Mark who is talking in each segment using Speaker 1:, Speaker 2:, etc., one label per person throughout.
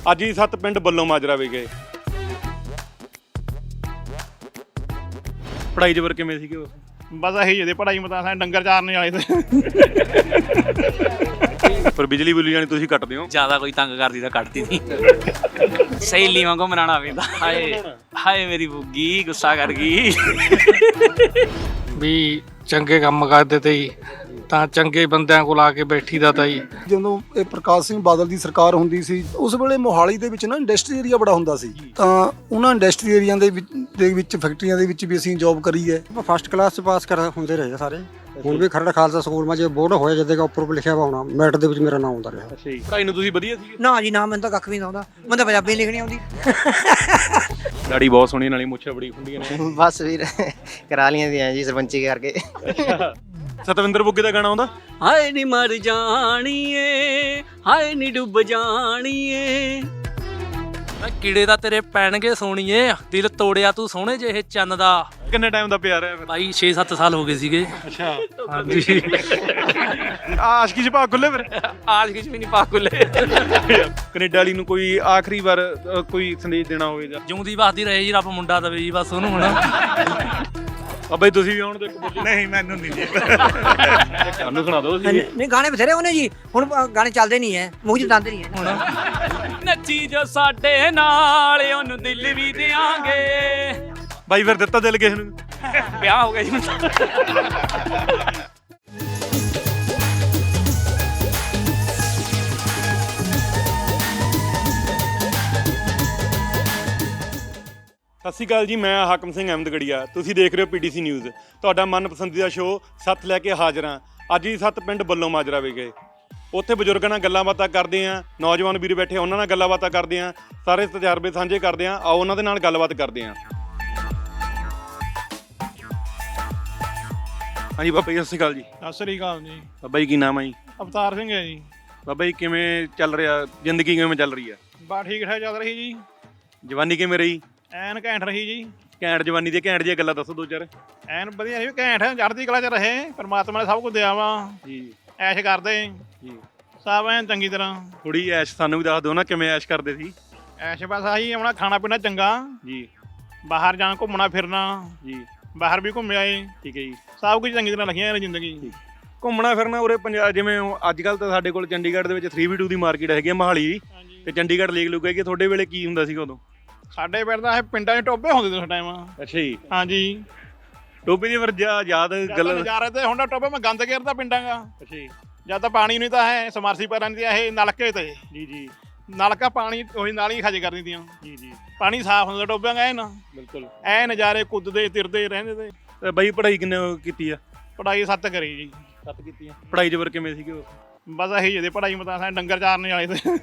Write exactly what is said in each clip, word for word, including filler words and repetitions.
Speaker 1: ਅੱਜ ਹੀ ਸੱਤ ਪਿੰਡ ਬੱਲੋਂ ਮਾਜਰਾ ਵੀ ਗਏ। ਪੜ੍ਹਾਈ ਜਬਰ ਕਿਵੇਂ ਸੀਗੇ ਉਸ?
Speaker 2: ਬਸ ਇਹੀ ਜਿਹੀ ਪੜ੍ਹਾਈ ਮਤਾਂ ਸਾਰੇ ਡੰਗਰ ਚਾਰਨੇ ਵਾਲੇ ਤੇ
Speaker 1: ਪਰ ਬਿਜਲੀ ਬੁਲੀ ਜਾਣੀ ਤੁਸੀਂ ਕੱਟਦੇ ਹੋ
Speaker 3: ਜ਼ਿਆਦਾ ਕੋਈ ਤੰਗ ਕਰਦੀ ਤਾਂ ਕੱਟਦੀ ਨਹੀਂ। ਸਹੇਲੀ ਵਾਂਗੂ ਮਨਾਉਣਾ ਪੈਂਦਾ। ਹਾਏ ਹਾਏ ਮੇਰੀ ਬੁੱਗੀ ਗੁੱਸਾ ਕਰ ਗਈ।
Speaker 4: ਵੀ ਚੰਗੇ ਕੰਮ ਕਰਦੇ ਤੇ ਜੀ ਤਾਂ ਚੰਗੇ ਬੰਦਿਆਂ ਕੋਲ ਆ ਕੇ ਬੈਠੀ ਦਾ ਤਾਂ ਜੀ।
Speaker 5: ਜਦੋਂ ਇਹ ਪ੍ਰਕਾਸ਼ ਸਿੰਘ ਬਾਦਲ ਦੀ ਸਰਕਾਰ ਹੁੰਦੀ ਸੀ ਉਸ ਵੇਲੇ ਮੋਹਾਲੀ ਦੇ ਵਿੱਚ ਨਾ ਇੰਡਸਟਰੀ ਏਰੀਆ ਬੜਾ ਹੁੰਦਾ ਸੀ, ਤਾਂ ਉਹਨਾਂ ਇੰਡਸਟਰੀ ਏਰੀਆ ਦੇ ਵਿੱਚ ਦੇ ਵਿੱਚ ਫੈਕਟਰੀਆਂ ਦੇ ਵਿੱਚ ਵੀ ਅਸੀਂ ਜੌਬ ਕਰੀ ਹੈ।
Speaker 6: ਫਸਟ ਕਲਾਸ ਚ ਪਾਸ ਕਰ ਹੁੰਦੇ ਰਹੇ ਸਾਰੇ। ਹੁਣ ਵੀ ਖਰੜ ਖਾਲਸਾ ਸਕੂਲ ਮਾ ਜੇ ਬੋਰਡ ਹੋਇਆ ਜਦੇ ਦਾ ਉੱਪਰ ਲਿਖਿਆ ਵਾ ਹੋਣਾ ਮੈਟ ਦੇ ਵਿੱਚ ਮੇਰਾ ਨਾਮ ਆਉਂਦਾ ਰਿਹਾ।
Speaker 1: ਅੱਛਾ ਜੀ, ਪੜ੍ਹਾਈ ਨੂੰ ਤੁਸੀਂ ਵਧੀਆ ਸੀ?
Speaker 7: ਨਾ ਜੀ ਨਾ, ਮੈਨੂੰ ਤਾਂ ਕੱਖ ਵੀ ਨਹੀਂ ਆਉਂਦਾ, ਮੈਨੂੰ ਤਾਂ ਪੰਜਾਬੀ ਲਿਖਣੀ ਆਉਂਦੀ।
Speaker 1: ਦਾੜੀ ਬਹੁਤ ਸੋਹਣੀ ਨਾਲੀ ਮੁੱਛਾਂ ਬੜੀ ਖੁੰਡੀਆਂ ਨੇ।
Speaker 8: ਬਸ ਵੀਰ ਕਰਾ ਲੀਆਂ ਦੀਆਂ ਜੀ ਸਰਪੰਚੀ ਕਰਕੇ।
Speaker 1: ਸਤਵਿੰਦਰ ਬੁੱਗੇ ਦਾ ਗਾਣਾ ਆਉਂਦਾ?
Speaker 3: ਹਾਏ ਨੀ ਮਰ ਜਾਣੀਏ, ਹਾਏ ਨੀ ਡੁੱਬ ਜਾਣੀਏ। ਕੀੜੇ ਤਾਂ ਤੇਰੇ ਪੈਣਗੇ ਸੋਣੀਏ, ਦਿਲ ਤੋੜਿਆ ਤੂੰ ਸੋਹਣੇ ਜਿਹੇ ਚੰਨ ਦਾ।
Speaker 1: ਕਿੰਨੇ ਟਾਈਮ ਦਾ ਪਿਆਰ ਹੈ?
Speaker 3: ਭਾਈ ਛੇ ਸੱਤ ਸਾਲ ਹੋ ਗਏ ਸੀਗੇ।
Speaker 1: ਅੱਛਾ
Speaker 3: ਹਾਂਜੀ।
Speaker 1: ਆਸ਼ਕੀ ਚ ਭਾਗ ਖੁੱਲੇ ਫਿਰ?
Speaker 3: ਆਸ਼ਕੀ ਚ ਵੀ ਨਹੀਂ ਪਾ ਖੁੱਲੇ।
Speaker 1: ਕੈਨੇਡਾ ਵਾਲੀ ਨੂੰ ਕੋਈ ਆਖਰੀ ਵਾਰ ਅ, ਕੋਈ ਸੰਦੇਸ਼ ਦੇਣਾ ਹੋਵੇ ਜਾਂ?
Speaker 3: ਜਿਉਂਦੀ ਵਸਦੀ ਰਹੇ ਜੀ, ਰੱਬ ਮੁੰਡਾ ਦਵੇ ਜੀ ਬਸ ਉਹਨੂੰ। ਹੁਣ
Speaker 1: ਬਾਬਾ ਜੀ ਤੁਸੀਂ ਵੀ ਆਉਣ ਦੇ ਇੱਕ ਬੋਲੀ।
Speaker 2: ਨਹੀਂ ਮੈਨੂੰ ਨਹੀਂ ਜੀ।
Speaker 1: ਸਾਨੂੰ ਸੁਣਾ ਦਿਓ ਤੁਸੀਂ।
Speaker 7: ਨਹੀਂ ਗਾਣੇ ਬਥੇਰੇ ਉਹਨੇ ਜੀ, ਹੁਣ ਗਾਣੇ ਚੱਲਦੇ ਨਹੀਂ ਹੈ, ਮੂੰਹ ਚ ਦੰਦ ਨਹੀਂ ਹੈ।
Speaker 3: ਹੁਣ ਨੱਚੀ ਜੋ ਸਾਡੇ ਨਾਲ ਉਹਨੂੰ ਦਿਲ ਵੀ ਦਿਆਂਗੇ।
Speaker 1: ਬਾਈ ਫਿਰ ਦਿੱਤਾ ਦਿਲ ਕਿਸੇ ਨੂੰ?
Speaker 3: ਵਿਆਹ ਹੋ ਗਿਆ ਜੀ ਹੁਣ ਤਾਂ।
Speaker 1: ਸਤਿ ਸ਼੍ਰੀ ਅਕਾਲ ਜੀ, ਮੈਂ ਹਾਕਮ ਸਿੰਘ ਅਹਿਮਦਗੜੀਆ। ਤੁਸੀਂ ਦੇਖ ਰਹੇ ਹੋ ਪੀਟੀਸੀ ਨਿਊਜ਼, ਤੁਹਾਡਾ ਮਨਪਸੰਦੀਦਾ ਸ਼ੋਅ। ਸੱਤ ਲੈ ਕੇ ਹਾਜ਼ਰ ਹਾਂ। ਅੱਜ ਹੀ ਸੱਤ ਪਿੰਡ ਬੱਲੋਂ ਮਾਜਰਾ ਵੀ ਗਏ। ਉੱਥੇ ਬਜ਼ੁਰਗਾਂ ਨਾਲ ਗੱਲਾਂ ਬਾਤਾਂ ਕਰਦੇ ਹਾਂ, ਨੌਜਵਾਨ ਵੀਰ ਬੈਠੇ ਉਹਨਾਂ ਨਾਲ ਗੱਲਾਂ ਬਾਤਾਂ ਕਰਦੇ ਹਾਂ, ਸਾਰੇ ਤਜਰਬੇ ਸਾਂਝੇ ਕਰਦੇ ਹਾਂ। ਆਓ ਉਹਨਾਂ ਦੇ ਨਾਲ ਗੱਲਬਾਤ ਕਰਦੇ ਹਾਂ। ਹਾਂਜੀ ਬਾਬਾ ਜੀ ਸਤਿ ਸ਼੍ਰੀ ਅਕਾਲ ਜੀ।
Speaker 2: ਸਤਿ ਸ੍ਰੀ ਅਕਾਲ ਜੀ।
Speaker 1: ਬਾਬਾ ਜੀ ਕੀ ਨਾਮ ਹੈ ਜੀ?
Speaker 2: ਅਵਤਾਰ ਸਿੰਘ ਹੈ ਜੀ।
Speaker 1: ਬਾਬਾ ਜੀ ਕਿਵੇਂ ਚੱਲ ਰਿਹਾ ਜ਼ਿੰਦਗੀ, ਕਿਵੇਂ ਚੱਲ ਰਹੀ ਹੈ?
Speaker 2: ਬਾ ਠੀਕ ਠਾਕ ਚੱਲ ਰਹੀ ਜੀ।
Speaker 1: ਜਵਾਨੀ ਕਿਵੇਂ ਰਹੀ?
Speaker 2: ਐਨ ਘੈਂਟ ਰਹੀ ਜੀ।
Speaker 1: ਘੈਂਟ ਜਵਾਨੀ ਦੀਆਂ ਘੈਂਟ ਜਿਹੀਆਂ ਗੱਲਾਂ ਦੱਸੋ ਦੋ ਚਾਰ।
Speaker 2: ਐਨ ਵਧੀਆ ਰਹੀ, ਘੈਂਟ ਚੜ੍ਹਦੀ ਕਲਾ ਚ ਰਹੇ। ਪਰਮਾਤਮਾ ਨੇ ਸਭ ਕੁਝ ਦਿਆ ਵਾ
Speaker 1: ਜੀ
Speaker 2: ਐਸ਼ ਕਰਦੇ
Speaker 1: ਜੀ।
Speaker 2: ਸਭ ਐਨ ਚੰਗੀ ਤਰ੍ਹਾਂ।
Speaker 1: ਥੋੜੀ ਐਸ਼ ਸਾਨੂੰ ਵੀ ਦੱਸ ਦਿਓ ਨਾ, ਕਿਵੇਂ ਐਸ਼ ਕਰਦੇ ਸੀ?
Speaker 2: ਐਸ਼ ਬਸ ਆਹੀ ਆਪਣਾ ਖਾਣਾ ਪੀਣਾ ਚੰਗਾ
Speaker 1: ਜੀ,
Speaker 2: ਬਾਹਰ ਜਾਣਾ ਘੁੰਮਣਾ ਫਿਰਨਾ
Speaker 1: ਜੀ
Speaker 2: ਬਾਹਰ ਵੀ ਘੁੰਮ ਆਏ।
Speaker 1: ਠੀਕ ਹੈ ਜੀ।
Speaker 2: ਸਭ ਕੁਝ ਚੰਗੀ ਤਰ੍ਹਾਂ ਲਿਖੀਆਂ ਨੇ ਜ਼ਿੰਦਗੀ।
Speaker 1: ਘੁੰਮਣਾ ਫਿਰਨਾ ਉਰੇ ਪੰਜਾਬ, ਜਿਵੇਂ ਅੱਜ ਕੱਲ੍ਹ ਤਾਂ ਸਾਡੇ ਕੋਲ ਚੰਡੀਗੜ੍ਹ ਦੇ ਵਿੱਚ ਥ੍ਰੀ ਬੀ ਟੂ ਦੀ ਮਾਰਕੀਟ ਹੈਗੀ ਹੈ ਮੋਹਾਲੀ ਦੀ, ਤੇ ਚੰਡੀਗੜ੍ਹ ਲੇਕ ਲੁਕ ਹੈਗੀ। ਤੁਹਾਡੇ ਵੇਲੇ ਕੀ ਹੁੰਦਾ ਸੀਗਾ ਉਦੋਂ?
Speaker 2: ਸਾਡੇ ਪਿੰਡ ਦਾ ਇਹ ਪਿੰਡਾਂ 'ਚ ਟੋਬੇ ਹੁੰਦੇ ਸੀ ਉਸ ਟਾਈਮ।
Speaker 1: ਅੱਛਾ ਜੀ।
Speaker 2: ਹਾਂਜੀ
Speaker 1: ਟੋਬੇ ਦੀ ਫਿਰ ਯਾਦ ਗੱਲ?
Speaker 2: ਨਜ਼ਾਰੇ ਤੇ ਹੁਣ ਟੋਬੇ ਮੈਂ ਗੰਦ ਘੇਰਦਾ ਪਿੰਡਾਂ ਦਾ।
Speaker 1: ਅੱਛਾ ਜੀ।
Speaker 2: ਜਦ ਤਾਂ ਪਾਣੀ ਨਹੀਂ ਤਾਂ ਹੈ ਸਮਰਸੀ ਪੈਰਾਂ ਦੀ ਇਹ ਨਲਕੇ ਤੇ
Speaker 1: ਜੀ ਜੀ।
Speaker 2: ਨਲਕਾ ਪਾਣੀ ਉਹੀ ਨਾਲ ਹੀ ਖਜ ਕਰ ਦਿੰਦੀਆਂ
Speaker 1: ਜੀ ਜੀ।
Speaker 2: ਪਾਣੀ ਸਾਫ਼ ਹੁੰਦਾ ਟੋਬਿਆਂ ਦਾ। ਐਨ
Speaker 1: ਬਿਲਕੁਲ
Speaker 2: ਐ ਨਜ਼ਾਰੇ ਕੁੱਦਦੇ ਤਿਰਦੇ ਰਹਿੰਦੇ ਤੇ।
Speaker 1: ਤੇ ਬਾਈ ਪੜ੍ਹਾਈ ਕਿੰਨੇ ਕੀਤੀ ਆ?
Speaker 2: ਪੜ੍ਹਾਈ ਸੱਤ ਕਰੀ ਜੀ।
Speaker 1: ਸੱਤ ਕੀਤੀ ਆ। ਪੜ੍ਹਾਈ ਜਬਰ ਕਿਵੇਂ ਸੀਗੇ ਉਸ?
Speaker 2: ਬਸ ਇਹੀ ਜਿਹੀ ਪੜ੍ਹਾਈ ਮਤਾਂ ਸਾਰੇ ਡੰਗਰ ਚਾਰਨੇ ਵਾਲੇ ਤੇ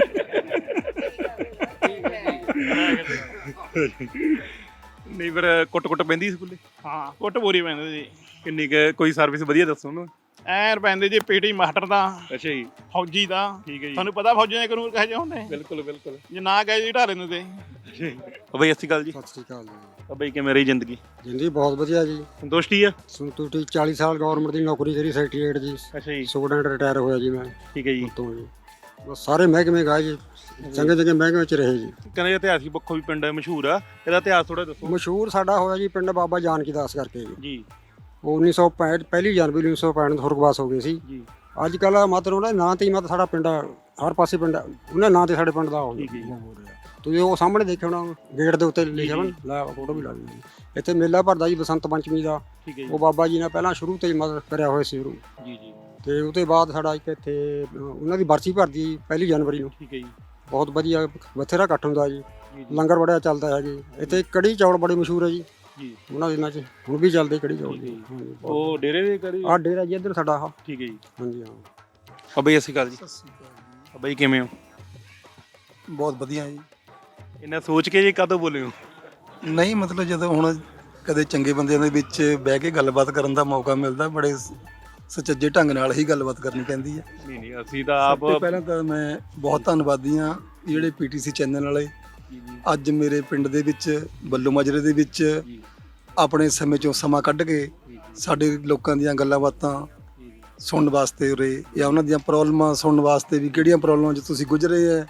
Speaker 1: ਨਹੀਂ ਫਿਰ ਕੁੱਟ ਕੁੱਟ ਪੈਂਦੀ ਸਕੂਲੇ?
Speaker 2: ਹਾਂ ਕੁੱਟ ਪੂਰੀ ਪੈਂਦੇ ਜੀ।
Speaker 1: ਕਿੰਨੀ ਕੁ ਕੋਈ ਸਰਵਿਸ ਵਧੀਆ ਦੱਸੋ ਉਹਨੂੰ।
Speaker 2: ਐਨ ਪੈਂਦੇ ਜੀ ਪੀਟੀ ਮਾਸਟਰ ਦਾ,
Speaker 1: ਅੱਛਾ ਜੀ।
Speaker 2: ਫੌਜੀ ਦਾ।
Speaker 1: ਠੀਕ ਹੈ ਜੀ।
Speaker 2: ਤੁਹਾਨੂੰ ਪਤਾ ਫੌਜੀਆਂ ਦੇ ਕਾਨੂੰਨ ਕਹੇ ਜਿਹੇ ਹੁੰਦੇ?
Speaker 1: ਬਿਲਕੁਲ ਬਿਲਕੁਲ।
Speaker 2: ਜੇ ਨਾ ਗਏ ਜੀ ਢਾਰੇ ਦਿੰਦੇ।
Speaker 1: ਬਾਈ ਸਤਿ ਸ਼੍ਰੀ ਅਕਾਲ ਜੀ।
Speaker 6: ਸਤਿ ਸ੍ਰੀ ਅਕਾਲ ਜੀ।
Speaker 1: ਬਾਈ ਕਿਵੇਂ ਰਹੀ ਜ਼ਿੰਦਗੀ?
Speaker 6: ਜ਼ਿੰਦਗੀ ਬਹੁਤ ਵਧੀਆ ਜੀ।
Speaker 1: ਸੰਤੁਸ਼ਟੀ ਆ?
Speaker 6: ਸੰਤੁਸ਼ਟੀ। ਚਾਲੀ ਸਾਲ ਗਵਰਨਮੈਂਟ ਦੀ ਨੌਕਰੀ ਕਰੀ ਸੈਕਟਰੀਏਟ ਜੀ।
Speaker 1: ਅੱਛਾ ਜੀ।
Speaker 6: ਸਟੂਡੈਂਟ ਰਿਟਾਇਰ ਹੋਇਆ ਜੀ ਮੈਂ
Speaker 1: ਠੀਕ ਹੈ ਜੀ।
Speaker 6: ਤੋਂ ਜੀ। ਬਸ ਸਾਰੇ ਮਹਿਕਮੇ ਗਏ ਜੀ, ਚੰਗੇ ਚੰਗੇ ਮਹਿਕਮੇ ਚ ਰਹੇ ਜੀ।
Speaker 1: ਕਹਿੰਦੇ ਇਤਿਹਾਸਿਕ ਪੱਖੋਂ ਵੀ ਪਿੰਡ ਮਸ਼ਹੂਰ ਆ, ਇਹਦਾ ਇਤਿਹਾਸ ਥੋੜਾ ਦੱਸੋ।
Speaker 6: ਮਸ਼ਹੂਰ ਸਾਡਾ ਹੋਇਆ ਜੀ ਪਿੰਡ ਬਾਬਾ ਜਾਨਕੀ ਦਾਸ ਕਰਕੇ ਜੀ।
Speaker 1: ਜੀ।
Speaker 6: ਉਹ ਉੱਨੀ ਸੌ ਪੈਂਹਠ ਪਹਿਲੀ ਜਨਵਰੀ ਉੱਨੀ ਸੌ ਪੈਂਹਠ ਨੂੰ ਸੁਰਗਵਾਸ ਹੋ ਗਏ ਸੀ
Speaker 1: ਜੀ।
Speaker 6: ਅੱਜ ਕੱਲ੍ਹ ਮਤਲਬ ਉਹਨਾਂ ਦੇ ਨਾਂ ਤੇ ਹੀ ਮਤਲਬ ਸਾਡਾ ਪਿੰਡ ਹਰ ਪਾਸੇ ਪਿੰਡ ਉਹਨਾਂ ਨਾਂ ਤੇ ਸਾਡੇ ਪਿੰਡ ਦਾ ਹੋ
Speaker 1: ਠੀਕ ਹੈ ਜੀ।
Speaker 6: ਰਿਹਾ। ਤੁਸੀਂ ਉਹ ਸਾਹਮਣੇ ਦੇਖਿਆ ਹੋਣਾ ਗੇਟ ਦੇ ਉੱਤੇ ਲਿਖਿਆ ਹੋਣਾ, ਲੈ ਫੋਟੋ ਵੀ ਲਾ ਲਈ। ਇੱਥੇ ਮੇਲਾ ਭਰਦਾ ਜੀ ਬਸੰਤ ਪੰਚਮੀ ਦਾ।
Speaker 1: ਠੀਕ ਹੈ ਜੀ।
Speaker 6: ਉਹ ਬਾਬਾ ਜੀ ਨੇ ਪਹਿਲਾਂ ਸ਼ੁਰੂ ਤੋਂ ਹੀ ਮਦਦ ਕਰਿਆ ਹੋਇਆ ਸੀ ਸ਼ੁਰੂ।
Speaker 1: ਜੀ ਜੀ।
Speaker 6: ਤੇ ਉਹਦੇ ਬਾਅਦ ਸਾਡਾ ਇੱਕ ਇੱਥੇ ਉਹਨਾਂ ਦੀ ਬਰਸੀ ਭਰਦੀ ਪਹਿਲੀ ਜਨਵਰੀ ਨੂੰ।
Speaker 1: ਠੀਕ ਹੈ ਜੀ।
Speaker 6: ਬਹੁਤ ਵਧੀਆ ਬਥੇਰਾ ਇਕੱਠ ਹੁੰਦਾ ਜੀ।
Speaker 1: ਜੀ।
Speaker 6: ਲੰਗਰ ਬੜਾ ਚੱਲਦਾ ਹੈ ਜੀ। ਇੱਥੇ ਕੜੀ ਚੌਲ ਬੜੇ ਮਸ਼ਹੂਰ ਹੈ ਜੀ
Speaker 1: ਜੀ।
Speaker 6: ਉਹਨਾਂ ਦਿਨਾਂ 'ਚ, ਹੁਣ ਵੀ ਚੱਲਦੇ ਕੜੀ ਚੌਲ ਜੀ। ਹਾਂਜੀ।
Speaker 1: ਉਹ ਡੇਰੇ ਦੇ ਕਰੀ?
Speaker 6: ਆਹ ਡੇਰਾ ਜੀ ਇੱਧਰ ਸਾਡਾ ਆਹ।
Speaker 1: ਠੀਕ ਹੈ ਜੀ।
Speaker 6: ਹਾਂਜੀ ਹਾਂ।
Speaker 1: ਬਾਬਾ ਜੀ ਸਤਿ ਸ਼੍ਰੀ ਅਕਾਲ ਜੀ।
Speaker 5: ਸਤਿ ਸ਼੍ਰੀ ਅਕਾਲ
Speaker 1: ਬਾਬਾ ਜੀ ਕਿਵੇਂ ਹੋ?
Speaker 5: ਬਹੁਤ ਵਧੀਆ ਜੀ।
Speaker 1: ਇਹਨਾਂ ਸੋਚ ਕੇ ਜੀ ਕਦੋਂ ਬੋਲੇ ਹੋ?
Speaker 5: ਨਹੀਂ ਮਤਲਬ ਜਦੋਂ ਹੁਣ ਕਦੇ ਚੰਗੇ ਬੰਦਿਆਂ ਦੇ ਵਿੱਚ ਬਹਿ ਕੇ ਗੱਲਬਾਤ ਕਰਨ ਦਾ ਮੌਕਾ ਮਿਲਦਾ, ਬੜੇ ਸੁਚੱਜੇ ਢੰਗ ਨਾਲ ਹੀ ਗੱਲਬਾਤ ਕਰਨੀ ਪੈਂਦੀ ਹੈ।
Speaker 1: ਨਹੀਂ ਨਹੀਂ ਅਸੀਂ ਤਾਂ ਆਪ
Speaker 5: ਸਭ ਤੋਂ ਪਹਿਲਾਂ ਤਾਂ ਮੈਂ ਬਹੁਤ ਧੰਨਵਾਦੀ ਹਾਂ ਜਿਹੜੇ ਪੀਟੀਸੀ ਚੈਨਲ ਵਾਲੇ ਅੱਜ ਮੇਰੇ ਪਿੰਡ ਦੇ ਵਿੱਚ ਬੱਲੋ ਮਾਜਰੇ ਦੇ ਵਿੱਚ ਆਪਣੇ ਸਮੇਂ ਚੋਂ ਸਮਾਂ ਕੱਢ ਕੇ ਸਾਡੇ ਲੋਕਾਂ ਦੀਆਂ ਗੱਲਾਂ ਬਾਤਾਂ ਸੁਣਨ ਵਾਸਤੇ ਉਰੇ, ਜਾਂ ਉਹਨਾਂ ਦੀਆਂ ਪ੍ਰੋਬਲਮਾਂ ਸੁਣਨ ਵਾਸਤੇ ਵੀ ਕਿਹੜੀਆਂ ਪ੍ਰੋਬਲਮਾਂ 'ਚ ਤੁਸੀਂ ਗੁਜ਼ਰੇ ਹੈ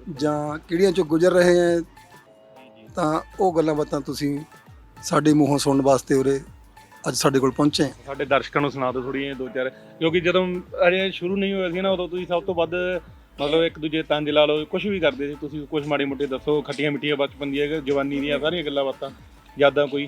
Speaker 5: ਜਾਂ ਕਿਹੜੀਆਂ ਚੋਂ ਗੁਜ਼ਰ ਰਹੇ ਹੈ, ਤਾਂ ਉਹ ਗੱਲਾਂ ਬਾਤਾਂ ਤੁਸੀਂ ਸਾਡੇ ਮੂੰਹੋਂ ਸੁਣਨ ਵਾਸਤੇ ਉਰੇ ਅੱਜ ਸਾਡੇ ਕੋਲ ਪਹੁੰਚੇ।
Speaker 1: ਸਾਡੇ ਦਰਸ਼ਕਾਂ ਨੂੰ ਸੁਣਾ ਦਿਓ ਥੋੜ੍ਹੀਆਂ ਦੋ ਚਾਰ, ਕਿਉਂਕਿ ਜਦੋਂ ਅਜੇ ਸ਼ੁਰੂ ਨਹੀਂ ਹੋਇਆ ਸੀ ਨਾ ਉਦੋਂ ਤੁਸੀਂ ਸਭ ਤੋਂ ਵੱਧ ਮਤਲਬ ਇੱਕ ਦੂਜੇ ਤੰਜ ਲਾ ਲਓ, ਕੁਝ ਵੀ ਕਰਦੇ ਸੀ ਤੁਸੀਂ, ਕੁਝ ਮਾੜੀ ਮੋਟੀ ਦੱਸੋ, ਖੱਟੀਆਂ ਮਿੱਠੀਆਂ ਬਚਪਨ ਦੀਆਂ ਜਵਾਨੀ ਦੀਆਂ ਸਾਰੀਆਂ ਗੱਲਾਂ ਬਾਤਾਂ ਯਾਦਾਂ ਕੋਈ।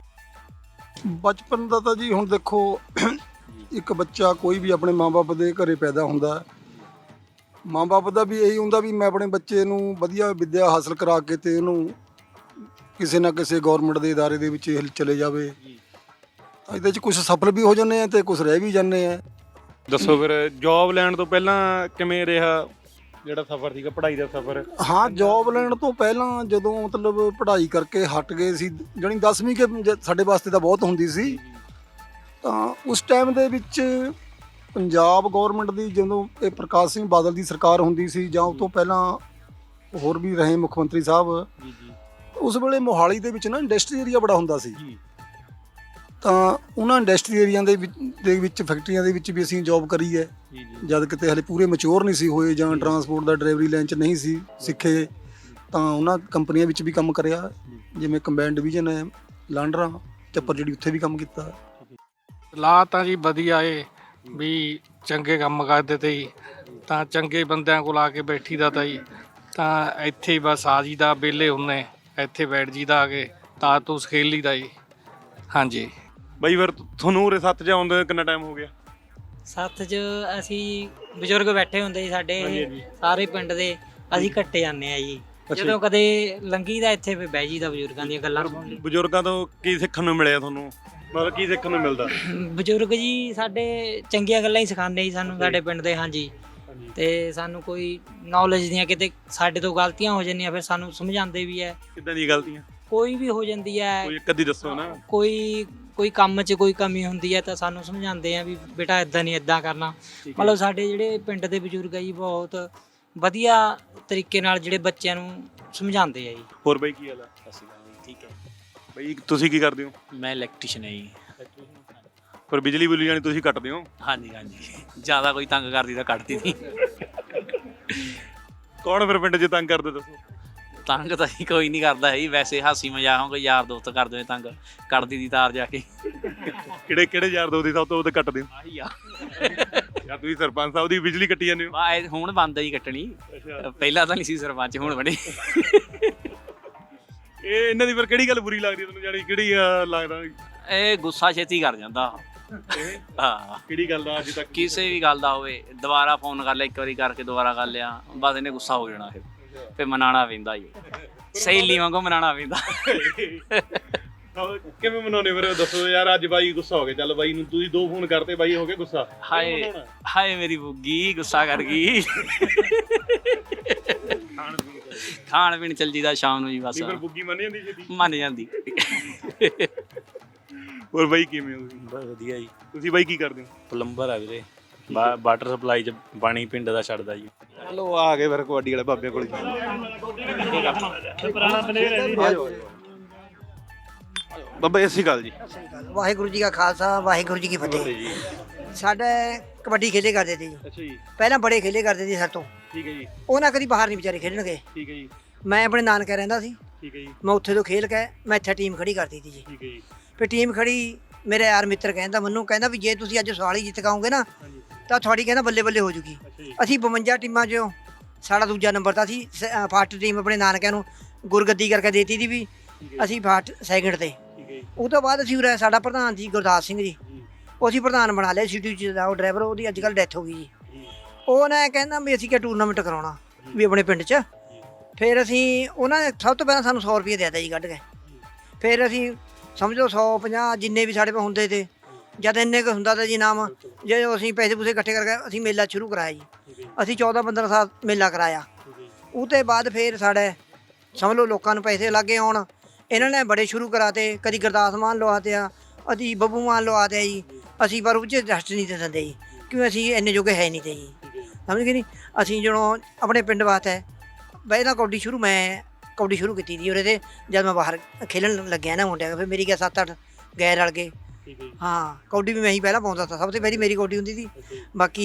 Speaker 5: ਬਚਪਨ ਦਾ ਤਾਂ ਜੀ ਹੁਣ ਦੇਖੋ ਇੱਕ ਬੱਚਾ ਕੋਈ ਵੀ ਆਪਣੇ ਮਾਂ-ਬਾਪ ਦੇ ਘਰੇ ਪੈਦਾ ਹੁੰਦਾ, ਮਾਂ-ਬਾਪ ਦਾ ਵੀ ਇਹੀ ਹੁੰਦਾ ਵੀ ਮੈਂ ਆਪਣੇ ਬੱਚੇ ਨੂੰ ਵਧੀਆ ਵਿੱਦਿਆ ਹਾਸਲ ਕਰਾ ਕੇ ਤੇ ਉਹਨੂੰ ਕਿਸੇ ਨਾ ਕਿਸੇ ਗਵਰਨਮੈਂਟ ਦੇ ਅਦਾਰੇ ਦੇ ਵਿੱਚ ਇਹ ਚਲੇ ਜਾਵੇ। ਇਹਦੇ 'ਚ ਕੁਝ ਸਫਲ ਵੀ ਹੋ ਜਾਂਦੇ ਆ ਤੇ ਕੁਝ ਰਹਿ ਵੀ ਜਾਂਦੇ ਆ।
Speaker 1: ਦੱਸੋ ਫਿਰ ਜੌਬ ਲੈਣ ਤੋਂ ਪਹਿਲਾਂ ਕਿਵੇਂ ਰਿਹਾ ਜਿਹੜਾ ਸਫ਼ਰ ਸੀਗਾ ਪੜ੍ਹਾਈ ਦਾ ਸਫ਼ਰ?
Speaker 5: ਹਾਂ, ਜੌਬ ਲੈਣ ਤੋਂ ਪਹਿਲਾਂ ਜਦੋਂ ਮਤਲਬ ਪੜ੍ਹਾਈ ਕਰਕੇ ਹਟ ਗਏ ਸੀ, ਜਾਣੀ ਦਸਵੀਂ ਕੇ ਜ- ਸਾਡੇ ਵਾਸਤੇ ਤਾਂ ਬਹੁਤ ਹੁੰਦੀ ਸੀ, ਤਾਂ ਉਸ ਟਾਈਮ ਦੇ ਵਿੱਚ ਪੰਜਾਬ ਗਵਰਨਮੈਂਟ ਦੀ ਜਦੋਂ ਇਹ ਪ੍ਰਕਾਸ਼ ਸਿੰਘ ਬਾਦਲ ਦੀ ਸਰਕਾਰ ਹੁੰਦੀ ਸੀ ਜਾਂ ਉਸ ਤੋਂ ਪਹਿਲਾਂ ਹੋਰ ਵੀ ਰਹੇ ਮੁੱਖ ਮੰਤਰੀ ਸਾਹਿਬ, ਉਸ ਵੇਲੇ ਮੋਹਾਲੀ ਦੇ ਵਿੱਚ ਨਾ ਇੰਡਸਟਰੀ ਏਰੀਆ ਬੜਾ ਹੁੰਦਾ ਸੀ, ਤਾਂ ਉਹਨਾਂ ਇੰਡਸਟਰੀ ਏਰੀਆ ਦੇ ਵਿੱਚ ਦੇ ਵਿੱਚ ਫੈਕਟਰੀਆਂ ਦੇ ਵਿੱਚ ਵੀ ਅਸੀਂ ਜੌਬ ਕਰੀ ਹੈ। ਜਦ ਕਿਤੇ ਹਲੇ ਪੂਰੇ ਮੈਚੁਰ ਨਹੀਂ ਸੀ ਹੋਏ ਜਾਂ ਟਰਾਂਸਪੋਰਟ ਦਾ ਡਰਾਈਵਰੀ ਲਾਈਨ 'ਚ ਨਹੀਂ ਸੀ ਸਿੱਖੇ, ਤਾਂ ਉਹਨਾਂ ਕੰਪਨੀਆਂ ਵਿੱਚ ਵੀ ਕੰਮ ਕਰਿਆ, ਜਿਵੇਂ ਕੰਬਾਈਨ ਡਿਵੀਜ਼ਨ ਹੈ, ਲਾਂਡਰਾ, ਚੱਪਰ ਜਿਹੜੀ, ਉੱਥੇ ਵੀ ਕੰਮ ਕੀਤਾ।
Speaker 4: ਲਾ ਤਾਂ ਜੀ ਵਧੀਆ ਏ ਵੀ ਚੰਗੇ ਕੰਮ ਕਰਦੇ ਤੇ ਜੀ, ਤਾਂ ਚੰਗੇ ਬੰਦਿਆਂ ਕੋਲ ਆ ਕੇ ਬੈਠੀ ਦਾ ਤਾਂ ਜੀ, ਤਾਂ ਇੱਥੇ ਹੀ ਬਸ ਆ ਜੀ ਦਾ ਵਿਹਲੇ ਹੁੰਨੇ, ਇੱਥੇ ਬੈਠ ਜੀ ਦਾ ਆ ਕੇ ਤਾਂ ਤੂੰ ਖੇਲੀ ਦਾ ਜੀ। ਹਾਂਜੀ
Speaker 1: ਬਈ ਫਿਰ ਤੁਹਾਨੂੰ ਉਰੇ ਸੱਤ 'ਚ ਆਉਂਦੇ ਕਿੰਨਾ ਟਾਈਮ ਹੋ ਗਿਆ?
Speaker 9: ਸੱਥ 'ਚ ਅਸੀਂ ਬਜ਼ੁਰਗ ਬੈਠੇ ਹੁੰਦੇ ਸੀ ਸਾਡੇ ਸਾਰੇ ਪਿੰਡ ਦੇ, ਅਸੀਂ ਇਕੱਠੇ ਜਾਂਦੇ ਆ ਜੀ। ਜਦੋਂ ਕਦੇ ਲੰਗੀ ਦਾ ਇੱਥੇ ਫਿਰ ਬਹਿ ਜੀ ਦਾ ਬਜ਼ੁਰਗਾਂ ਦੀਆਂ ਗੱਲਾਂ ਸੁਣ ਲਈ।
Speaker 1: ਬਜ਼ੁਰਗਾਂ ਤੋਂ ਕੀ ਸਿੱਖਣ ਨੂੰ ਮਿਲਿਆ ਤੁਹਾਨੂੰ, ਮਤਲਬ ਕੀ ਸਿੱਖਣ ਨੂੰ ਮਿਲਦਾ?
Speaker 9: ਬਜ਼ੁਰਗ ਜੀ ਸਾਡੇ ਚੰਗੀਆਂ ਗੱਲਾਂ ਹੀ ਸਿਖਾਉਂਦੇ ਸੀ ਸਾਨੂੰ ਸਾਡੇ ਪਿੰਡ ਦੇ। ਹਾਂਜੀ, ਤੇ ਸਾਨੂੰ ਕੋਈ ਨੌਲੇਜ ਦੀਆਂ ਕਿਤੇ ਸਾਡੇ ਤੋਂ ਗਲਤੀਆਂ ਹੋ ਜਾਂਦੀਆਂ ਫਿਰ ਸਾਨੂੰ ਸਮਝਾਉਂਦੇ ਵੀ ਹੈ।
Speaker 1: ਕਿੱਦਾਂ ਦੀਆਂ ਗਲਤੀਆਂ?
Speaker 9: ਕੋਈ ਵੀ ਹੋ ਜਾਂਦੀ ਹੈ,
Speaker 1: ਕੋਈ ਇੱਕ ਅੱਧੀ ਦੱਸੋ ਨਾ।
Speaker 9: ਕੋਈ ਕੋਈ ਕੰਮ 'ਚ ਕੋਈ ਕਮੀ ਹੁੰਦੀ ਹੈ ਤਾਂ ਸਾਨੂੰ ਸਮਝਾਉਂਦੇ ਆ ਵੀ ਬੇਟਾ ਇਦਾਂ ਨਹੀਂ ਇਦਾਂ ਕਰਨਾ। ਮਤਲਬ ਸਾਡੇ ਜਿਹੜੇ ਪਿੰਡ ਦੇ ਬਜ਼ੁਰਗ ਆ ਜੀ ਬਹੁਤ ਵਧੀਆ ਤਰੀਕੇ ਨਾਲ ਜਿਹੜੇ ਬੱਚਿਆਂ ਨੂੰ ਸਮਝਾਉਂਦੇ ਆ ਜੀ।
Speaker 1: ਹੋਰ ਬਈ ਕੀ ਹਾਲ ਆ?
Speaker 3: ਸਤਿ ਸ਼੍ਰੀ ਅਕਾਲ ਜੀ, ਠੀਕ ਹੈ।
Speaker 1: ਬਈ ਤੁਸੀਂ ਕੀ ਕਰਦੇ ਹੋ?
Speaker 3: ਮੈਂ ਇਲੈਕਟ੍ਰੀਸ਼ੀਅਨ ਹੈ ਜੀ।
Speaker 1: ਪਰ ਬਿਜਲੀ ਬੁਲੀ ਜਾਣੀ ਤੁਸੀਂ ਕੱਟਦੇ ਹੋ?
Speaker 3: ਹਾਂਜੀ ਹਾਂਜੀ, ਜ਼ਿਆਦਾ ਕੋਈ ਤੰਗ ਕਰਦੀ ਤਾਂ ਕੱਟਦੀ ਨਹੀਂ।
Speaker 1: ਕੌਣ ਫਿਰ ਪਿੰਡ 'ਚ ਤੰਗ ਕਰਦੇ ਦੱਸੋ?
Speaker 3: ਤੰਗ ਤਾਂ ਜੀ ਕੋਈ ਨਹੀਂ ਕਰਦਾ ਹੈ ਜੀ, ਵੈਸੇ ਹਾਸੀ ਮਜ਼ਾਕ ਹੋ ਕੋਈ ਯਾਰ ਦੋਸਤ ਕਰਦੇ ਨੇ ਤੰਗ, ਕੱਢਦੀ ਦੀ ਤਾਰ ਜਾ ਕੇ।
Speaker 1: ਕਿਹੜੇ ਕਿਹੜੇ ਯਾਰ ਦੋਸਤ ਦੀ ਸਭ ਤੋਂ ਵੱਧ ਕੱਟਦੇ ਹੋ?
Speaker 3: ਆਹੀ ਆ
Speaker 1: ਯਾਰ ਤੁਸੀਂ ਸਰਪੰਚ ਸਾਹਿਬ ਦੀ ਬਿਜਲੀ ਕੱਟੀ ਜਾਂਦੇ ਹੋ।
Speaker 3: ਬਾ ਇਹ ਹੁਣ ਬੰਦ ਹੀ ਕੱਟਣੀ, ਪਹਿਲਾਂ ਤਾਂ ਨਹੀਂ ਸੀ ਸਰਪੰਚ, ਹੁਣ ਬਣੇ।
Speaker 1: ਇਹ ਇਹਨਾਂ ਦੀ ਫਿਰ ਕਿਹੜੀ ਗੱਲ ਬੁਰੀ ਲੱਗਦੀ ਤੁਹਾਨੂੰ, ਜਾਨੀ ਕਿਹੜੀ ਆ ਲੱਗਦਾ?
Speaker 3: ਇਹ ਗੁੱਸਾ ਛੇਤੀ ਕਰ ਜਾਂਦਾ। ਹਾਂ,
Speaker 1: ਕਿਹੜੀ ਗੱਲ ਦਾ ਅੱਜ ਤੱਕ?
Speaker 3: ਕਿਸੇ ਵੀ ਗੱਲ ਦਾ ਹੋਵੇ, ਦੁਬਾਰਾ ਫੋਨ ਕਰ ਲਿਆ, ਇੱਕ ਵਾਰੀ ਕਰਕੇ ਦੁਬਾਰਾ ਕਰ ਲਿਆ, ਬਸ ਇਹਨੇ ਗੁੱਸਾ ਹੋ ਜਾਣਾ। ਫਿਰ ਫਿਰ ਮਨਾਉਣਾ ਪੈਂਦਾ ਜੀ, ਸਹੇਲੀ ਵਾਂਗੂ ਮਨਾਉਣਾ ਪੈਂਦਾ।
Speaker 1: ਕਿਵੇਂ ਮਨਾਉਣੇ ਫਿਰ ਦੱਸੋ ਯਾਰ? ਅੱਜ ਬਾਈ ਗੁੱਸਾ ਹੋ ਗਿਆ, ਚੱਲ ਬਾਈ ਨੂੰ ਤੁਸੀਂ ਦੋ ਫੋਨ ਕਰਤੇ, ਬਾਈ ਹੋ ਗਿਆ ਗੁੱਸਾ।
Speaker 3: ਹਾਏ ਹਾਏ ਮੇਰੀ ਬੁੱਗੀ ਗੁੱਸਾ ਕਰ ਗਈ। ਖਾਣ ਪੀਣ ਚੱਲ ਜੀਦਾ ਸ਼ਾਮ ਨੂੰ ਜੀ, ਬਸ
Speaker 1: ਫਿਰ ਬੁੱਗੀ ਮੰਨ ਜਾਂਦੀ ਛੇਤੀ?
Speaker 3: ਮੰਨ ਜਾਂਦੀ।
Speaker 1: ਹੋਰ ਬਾਈ ਕਿਵੇਂ ਹੋ ਤੁਸੀਂ?
Speaker 10: ਬਸ ਵਧੀਆ ਜੀ।
Speaker 1: ਤੁਸੀਂ ਬਾਈ ਕੀ ਕਰਦੇ ਹੋ?
Speaker 10: ਪਲੰਬਰ ਆ ਵੀਰੇ, ਵਾ- ਵਾਟਰ ਸਪਲਾਈ ਚ ਪਾਣੀ ਪਿੰਡ ਦਾ ਛੱਡਦਾ ਜੀ।
Speaker 1: ਚਲੋ ਆ ਗਏ ਫਿਰ ਕਬੱਡੀ ਵਾਲੇ ਬਾਬੇ ਕੋਲ। ਬਾਬਾ ਸਤਿ ਸ਼੍ਰੀ ਅਕਾਲ ਜੀ।
Speaker 7: ਵਾਹਿਗੁਰੂ ਜੀ ਕਾ ਖਾਲਸਾ ਵਾਹਿਗੁਰੂ ਜੀ ਕੀ ਫਤਿਹ। ਸਾਡੇ ਕਬੱਡੀ ਖੇਲੇ ਕਰਦੇ ਸੀ ਜੀ,
Speaker 1: ਅੱਛਾ ਜੀ,
Speaker 7: ਪਹਿਲਾਂ ਬੜੇ ਖੇਲੇ ਕਰਦੇ ਸੀ ਸਾਡੇ ਤੋਂ,
Speaker 1: ਠੀਕ ਹੈ ਜੀ,
Speaker 7: ਉਹਨਾਂ ਕਦੀ ਬਾਹਰ ਨਹੀਂ ਵਿਚਾਰੇ ਖੇਡਣ ਗਏ।
Speaker 1: ਠੀਕ ਹੈ ਜੀ,
Speaker 7: ਮੈਂ ਆਪਣੇ ਨਾਨਕੇ ਰਹਿੰਦਾ ਸੀ,
Speaker 1: ਠੀਕ ਹੈ ਜੀ,
Speaker 7: ਮੈਂ ਉੱਥੇ ਤੋਂ ਖੇਲ ਕੇ ਮੈਂ ਇੱਥੇ ਟੀਮ ਖੜੀ ਕਰਦੀ ਸੀ ਜੀ।
Speaker 1: ਠੀਕ ਹੈ ਜੀ,
Speaker 7: ਫਿਰ ਟੀਮ ਖੜੀ, ਮੇਰੇ ਯਾਰ ਮਿੱਤਰ ਕਹਿੰਦਾ ਮੈਨੂੰ, ਕਹਿੰਦਾ ਵੀ ਜੇ ਤੁਸੀਂ ਅੱਜ ਸਵਾਲੀ ਜਿੱਤ ਕਾਉਂਗੇ ਨਾ ਤਾਂ ਤੁਹਾਡੀ ਕਹਿੰਦਾ ਬੱਲੇ ਬੱਲੇ ਹੋ ਜੂਗੀ। ਅਸੀਂ ਬਵੰਜਾ ਟੀਮਾਂ 'ਚੋਂ ਸਾਡਾ ਦੂਜਾ ਨੰਬਰ ਤਾਂ ਸੀ, ਫਸਟ ਟੀਮ ਆਪਣੇ ਨਾਨਕਿਆਂ ਨੂੰ ਗੁਰਗੱਦੀ ਕਰਕੇ ਦੇਤੀ ਸੀ ਵੀ ਅਸੀਂ ਫਸਟ ਸੈਕਿੰਡ ਤੇ। ਉਹ ਤੋਂ ਬਾਅਦ ਅਸੀਂ ਉਰੇ ਸਾਡਾ ਪ੍ਰਧਾਨ ਜੀ ਗੁਰਦਾਸ ਸਿੰਘ ਜੀ, ਉਹ ਅਸੀਂ ਪ੍ਰਧਾਨ ਬਣਾ ਲਿਆ ਸਿਟੀ 'ਚ ਦਾ, ਉਹ ਡਰਾਈਵਰ, ਉਹਦੀ ਅੱਜ ਕੱਲ੍ਹ ਡੈਥ ਹੋ ਗਈ ਜੀ। ਉਹ ਨਾ ਕਹਿੰਦਾ ਵੀ ਅਸੀਂ ਕਿਆ ਟੂਰਨਾਮੈਂਟ ਕਰਾਉਣਾ ਵੀ ਆਪਣੇ ਪਿੰਡ 'ਚ। ਫਿਰ ਅਸੀਂ ਉਹਨਾਂ ਨੇ ਸਭ ਤੋਂ ਪਹਿਲਾਂ ਸਾਨੂੰ ਸੌ ਰੁਪਏ ਦੇ ਦਿੱਤਾ ਜੀ ਕੱਢ ਕੇ। ਫਿਰ ਅਸੀਂ ਸਮਝੋ ਸੌ ਪੰਜਾਹ ਜਿੰਨੇ ਵੀ ਸਾਡੇ ਕੋਲ ਹੁੰਦੇ ਤੇ, ਜਦ ਇੰਨੇ ਕੁ ਹੁੰਦਾ ਤਾਂ ਜੀ ਨਾਮ, ਜੇ ਅਸੀਂ ਪੈਸੇ ਪੂਸੇ ਇਕੱਠੇ ਕਰਕੇ ਅਸੀਂ ਮੇਲਾ ਸ਼ੁਰੂ ਕਰਾਇਆ ਜੀ। ਅਸੀਂ ਚੌਦਾਂ ਪੰਦਰਾਂ ਸਾਲ ਮੇਲਾ ਕਰਾਇਆ। ਉਹ ਤੋਂ ਬਾਅਦ ਫਿਰ ਸਾਡੇ ਸਮਝ ਲਓ ਲੋਕਾਂ ਨੂੰ ਪੈਸੇ ਲੱਗੇ ਆਉਣ, ਇਹਨਾਂ ਨੇ ਬੜੇ ਸ਼ੁਰੂ ਕਰਾਤੇ, ਕਦੀ ਗੁਰਦਾਸ ਮਾਨ ਲਵਾਤੇ ਆ, ਅਸੀਂ ਬੱਬੂ ਮਾਨ ਲਵਾਤੇ ਜੀ। ਅਸੀਂ ਪਰ ਉਹ 'ਚ ਰੈਸਟ ਨਹੀਂ ਦੇ ਦਿੰਦੇ ਜੀ, ਕਿਉਂ ਅਸੀਂ ਇੰਨੇ ਜੋਗੇ ਹੈ ਨਹੀਂ ਤੇ ਜੀ, ਸਮਝ ਗਏ ਨਹੀਂ। ਅਸੀਂ ਜਦੋਂ ਆਪਣੇ ਪਿੰਡ ਵਾਸਤੇ ਬਈ ਨਾ ਕਬੱਡੀ ਸ਼ੁਰੂ, ਮੈਂ ਕਬੱਡੀ ਸ਼ੁਰੂ ਕੀਤੀ ਸੀ ਉਰੇ ਤੇ, ਜਦ ਮੈਂ ਬਾਹਰ ਖੇਲਣ ਲੱਗਿਆ ਨਾ ਮੁੰਡਿਆਂ, ਫਿਰ ਮੇਰੀ ਗਿਆ ਸੱਤ ਅੱਠ ਗਏ ਰਲ ਗਏ। ਹਾਂ, ਕਬੱਡੀ ਵੀ ਮੈਂ ਹੀ ਪਹਿਲਾਂ ਪਾਉਂਦਾ ਸੀ, ਸਭ ਤੋਂ ਪਹਿਲੀ ਮੇਰੀ ਕਬੱਡੀ ਹੁੰਦੀ ਸੀ। ਬਾਕੀ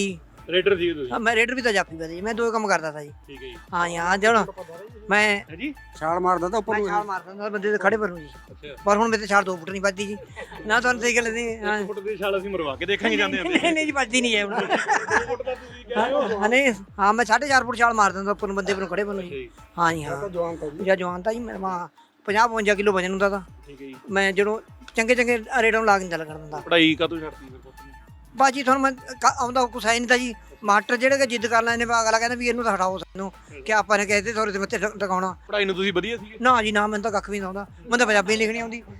Speaker 1: ਰੇਡਰ ਸੀ ਤੁਸੀਂ?
Speaker 7: ਹਾਂ, ਮੈਂ ਰੇਡਰ ਵੀ ਤਾਂ ਜਾਫੀ ਵੀ ਜੀ, ਮੈਂ ਦੋ ਕੰਮ ਕਰਦਾ ਤਾ ਜੀ।
Speaker 1: ਠੀਕ ਹੈ ਜੀ।
Speaker 7: ਹਾਂ ਜੀ ਹਾਂ, ਹੁਣ ਮੈਂ
Speaker 1: ਹੈ ਜੀ।
Speaker 6: ਛਾਲ ਮਾਰਦਾ ਤਾਂ ਉੱਪਰ
Speaker 7: ਮੈਂ
Speaker 6: ਨੂੰ
Speaker 7: ਛਾਲ ਮਾਰ ਦਿੰਦਾ ਬੰਦੇ ਦੇ ਖੜੇ ਪਰ ਨੂੰ ਜੀ,
Speaker 1: ਅੱਛਾ
Speaker 7: ਪਰ ਹੁਣ ਮੇਰੇ ਤੇ ਛਾਲ ਦੋ ਫੁੱਟ ਨਹੀਂ ਵੱਜਦੀ ਜੀ ਨਾ, ਤੁਹਾਨੂੰ ਸਹੀ ਗੱਲ ਨਹੀਂ। ਹਾਂ
Speaker 1: ਫੁੱਟ ਦੀ ਛਾਲ ਅਸੀਂ ਮਰਵਾ ਕੇ ਦੇਖਾਂਗੇ ਜਾਂਦੇ ਜਾਂਦੇ।
Speaker 7: ਨਹੀਂ ਨਹੀਂ ਜੀ, ਵੱਜਦੀ ਨਹੀਂ ਹੈ ਹੁਣ।
Speaker 1: ਫੁੱਟ ਦਾ ਤੁਸੀਂ ਕਹਿ ਰਹੇ ਹੋ।
Speaker 7: ਹਾਂ ਨਹੀਂ, ਹਾਂ ਮੈਂ ਸਾਢੇ ਚਾਰ ਫੁੱਟ ਛਾਲ ਮਾਰ ਦਿੰਦਾ ਉੱਪਰ ਨੂੰ ਬੰਦੇ ਪਰ ਨੂੰ ਖੜੇ ਪਰ ਨੂੰ ਜੀ। ਹਾਂ ਜੀ ਹਾਂ,
Speaker 6: ਜਵਾਨ ਤਾਂ ਜੀ
Speaker 7: ਜਾਂ ਜਵਾਨ ਤਾਂ ਜੀ ਮੈਂ ਪੰਜਾਹ ਪਚਵੰਜਾ ਕਿਲੋ ਵਜਨ ਹੁੰਦਾ ਤਾਂ
Speaker 1: ਠੀਕ ਹੈ ਜੀ।
Speaker 7: ਮੈਂ ਜਦੋਂ ਚੰਗੇ ਚੰਗੇ ਰੇਡਾਂ ਨੂੰ ਲਾ ਕੇ ਚੱਲ ਕਰ ਦਿੰਦਾ।
Speaker 1: ਪੜਾਈ ਕਾਹਤੋਂ ਛੱਡਤੀ ਫਿਰ ਪੁੱਤ ਨੇ?
Speaker 7: ਬਾਜੀ ਤੁਹਾਨੂੰ ਮੈਂ ਕ- ਆਉਂਦਾ ਕੁਛ ਹੈ ਨਹੀਂ ਤਾਂ ਜੀ, ਮਾਸਟਰ ਜਿਹੜੇ ਕਿ ਜਿੱਦ ਕਰ ਲੈਂਦੇ ਨੇ, ਅਗਲਾ ਕਹਿੰਦਾ ਵੀ ਇਹਨੂੰ ਤਾਂ ਹਟਾਓ ਸਾਨੂੰ, ਕਿ ਆਪਾਂ ਨੇ ਕਹਿੰਦੇ ਥੋੜੇ ਤੇ ਮੱਥੇ ਟਿਕ- ਟਿਕਾਉਣਾ।
Speaker 1: ਪੜਾਈ ਨੂੰ ਤੁਸੀਂ ਵਧੀਆ ਸੀਗੇ?
Speaker 7: ਨਾ ਜੀ ਨਾ, ਮੈਨੂੰ ਤਾਂ ਕੱਖ ਵੀ ਨਹੀਂ ਆਉਂਦਾ, ਮੈਨੂੰ ਤਾਂ ਪੰਜਾਬੀ ਨਹੀਂ ਲਿਖਣੀ ਆਉਂਦੀ।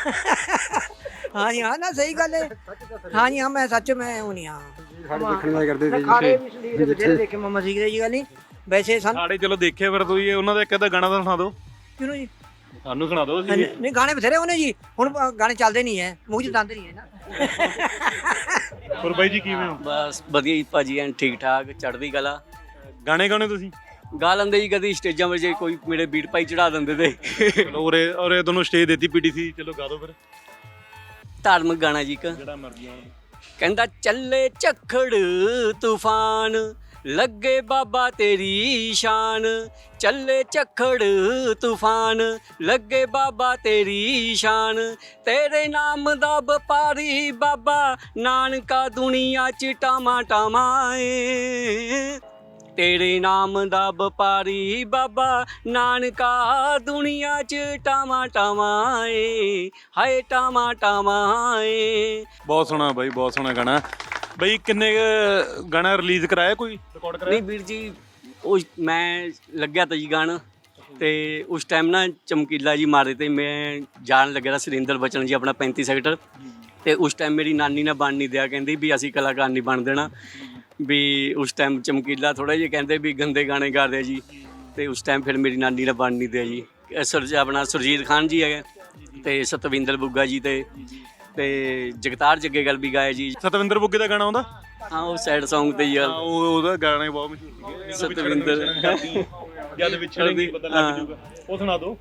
Speaker 7: ਹਾਂ ਜੀ ਹਾਂ, ਨਾ ਸਹੀ ਗੱਲ ਹੈ। ਹਾਂ ਜੀ ਹਾਂ, ਮੈਂ ਸੱਚ ਮੈਂ ਉਹ ਨਹੀਂ ਹਾਂ
Speaker 6: ਸਾਡੇ ਦੇਖਣ ਦਾ ਕਰਦੇ ਸੀ
Speaker 7: ਖਾੜੇ ਵੀ ਸਲੀਰ ਬਥੇਰੇ ਦੇਖੇ ਮਮਾ ਸਿੱਖਦੇ ਜੀ ਗੱਲ ਨਹੀਂ ਵੈਸੇ ਸਾਨੂੰ।
Speaker 1: ਸਾਡੇ ਚਲੋ ਦੇਖਿਆ ਫਿਰ ਤੁਸੀਂ ਉਹਨਾਂ ਦਾ ਇੱਕ ਅੱਧਾ ਗਾਣਾ ਤਾਂ ਸੁਣਾ ਦਿਓ
Speaker 7: ਕਿਉਂ ਜੀ?
Speaker 1: ਸਾਨੂੰ, ਸੁਣਾ ਦਿਓ
Speaker 7: ਨਹੀਂ
Speaker 1: ਅਸੀਂ।
Speaker 7: ਨਹੀਂ, ਗਾਣੇ ਬਥੇਰੇ ਉਹਨੇ ਜੀ, ਹੁਣ ਅ, ਗਾਣੇ ਚੱਲਦੇ ਨਹੀਂ ਹੈ, ਮੂੰਹ 'ਚ ਦੰਦ ਨਹੀਂ ਹੈ ਨਾ।
Speaker 1: ਹੋਰ ਬਾਈ ਜੀ ਕਿਵੇਂ ਹੋ?
Speaker 3: ਬਸ ਵਧੀਆ ਜੀ ਭਾਜੀ, ਐਨ ਠੀਕ ਠਾਕ, ਚੜ੍ਹਦੀ ਕਲਾ।
Speaker 1: ਗਾਣੇ ਗਾਣੇ ਤੁਸੀਂ?
Speaker 3: ਗਾ ਲੈਂਦੇ ਜੀ, ਕਦੀ ਸਟੇਜਾਂ 'ਤੇ ਜੇ ਕੋਈ ਮੇਰੇ ਬੀਟ ਪਾਈ ਚੜਾ ਦਿੰਦੇ ਤੇ।
Speaker 1: ਚਲੋ ਉਰੇ ਉਰੇ ਤੁਹਾਨੂੰ ਸਟੇਜ ਦਿੱਤੀ ਪੀਟੀਸੀ, ਚਲੋ ਗਾ ਦਿਓ ਫਿਰ
Speaker 3: ਧਾਰਮਿਕ ਗਾਣਾ ਜੀ ਇੱਕ,
Speaker 1: ਜਿਹੜਾ ਮਰਜ਼ੀ ਆਉਣ।
Speaker 3: ਕਹਿੰਦਾ ਚੱਲੇ ਝੱਖੜ ਤੂਫਾਨ, ਲੱਗੇ ਬਾਬਾ ਤੇਰੀ ਸ਼ਾਨ, ਚੱਲੇ ਝੱਖੜ ਤੂਫਾਨ, ਲੱਗੇ ਬਾਬਾ ਤੇਰੀ ਸ਼ਾਨ, ਤੇਰੇ ਨਾਮ ਦਾ ਵਪਾਰੀ ਬਾਬਾ ਨਾਨਕਾ ਦੁਨੀਆ 'ਚ ਟਾਮਾ ਟਾਮਾ ਏ, ਤੇਰੇ ਨਾਮ ਦਾ ਵਪਾਰੀ ਬਾਬਾ ਨਾਨਕਾ ਦੁਨੀਆ 'ਚ ਟਾਮਾ ਟਾਮਾ ਏ, ਹਾਏ ਟਾਮਾ ਟਾਮਾ ਏ।
Speaker 1: ਬਹੁਤ ਸੋਹਣਾ ਬਾਈ, ਬਹੁਤ ਸੋਹਣਾ ਗਾਣਾ। ਬਈ ਕਿੰਨੇ ਕੁ ਗਾਣਾ ਰਿਲੀਜ਼ ਕਰਾਇਆ, ਕੋਈ ਰਿਕਾਰਡ ਕਰਾਇਆ?
Speaker 3: ਨਹੀਂ ਵੀਰ ਜੀ, ਉਹ ਮੈਂ ਲੱਗਿਆ ਤਾਂ ਜੀ ਗਾਣਾ, ਤੇ ਉਸ ਟਾਈਮ ਨਾ ਚਮਕੀਲਾ ਜੀ ਮਾਰੇ ਤੇ ਮੈਂ ਜਾਣ ਲੱਗਿਆ ਤਾਂ ਸੁਰਿੰਦਰ ਬਚਨ ਜੀ ਆਪਣਾ ਪੈਂਤੀ ਸੈਕਟਰ, ਤੇ ਉਸ ਟਾਈਮ ਮੇਰੀ ਨਾਨੀ ਨੇ ਬਣ ਨਹੀਂ ਦਿਆ, ਕਹਿੰਦੀ ਵੀ ਅਸੀਂ ਕਲਾਕਾਰ ਨਹੀਂ ਬਣ ਦੇਣਾ, ਵੀ ਉਸ ਟਾਈਮ ਚਮਕੀਲਾ ਥੋੜਾ ਜਿਹਾ ਕਹਿੰਦੇ ਵੀ ਗੰਦੇ ਗਾਣੇ ਗਾਦੇ ਆ ਜੀ, ਤੇ ਉਸ ਟਾਈਮ ਫਿਰ ਮੇਰੀ ਨਾਨੀ ਨੇ ਬਣ ਨਹੀਂ ਦਿਆ ਜੀ। ਸੁਰ ਆਪਣਾ ਸੁਰਜੀਤ ਖਾਨ ਜੀ ਹੈਗਾ, ਤੇ ਸਤਵਿੰਦਰ ਬੁੱਗਾ ਜੀ, ਤੇ ਤੇ ਜਗਤਾਰ ਜੱਗੇਗਲ ਵੀ ਗਾਇਆ ਜੀ।
Speaker 1: ਸਤਵਿੰਦਰ ਬੁੱਗੇ ਦਾ ਗਾਣਾ ਆਉਂਦਾ?
Speaker 3: ਹਾਂ, ਉਹ ਸੈਡ Song ਤੇ ਹੀ ਆ।
Speaker 1: ਹਾਂ, ਉਹ ਉਹਦਾ ਗਾਣੇ ਬਹੁਤ ਮਸ਼ਹੂਰ ਸੀਗੇ।
Speaker 3: ਸਤਵਿੰਦਰ
Speaker 1: ਜਦ ਵਿਛੜਦੀ ਪਤਾ ਲੱਗ ਜੂਗਾ, ਉਹ ਸੁਣਾ ਦਿਓ।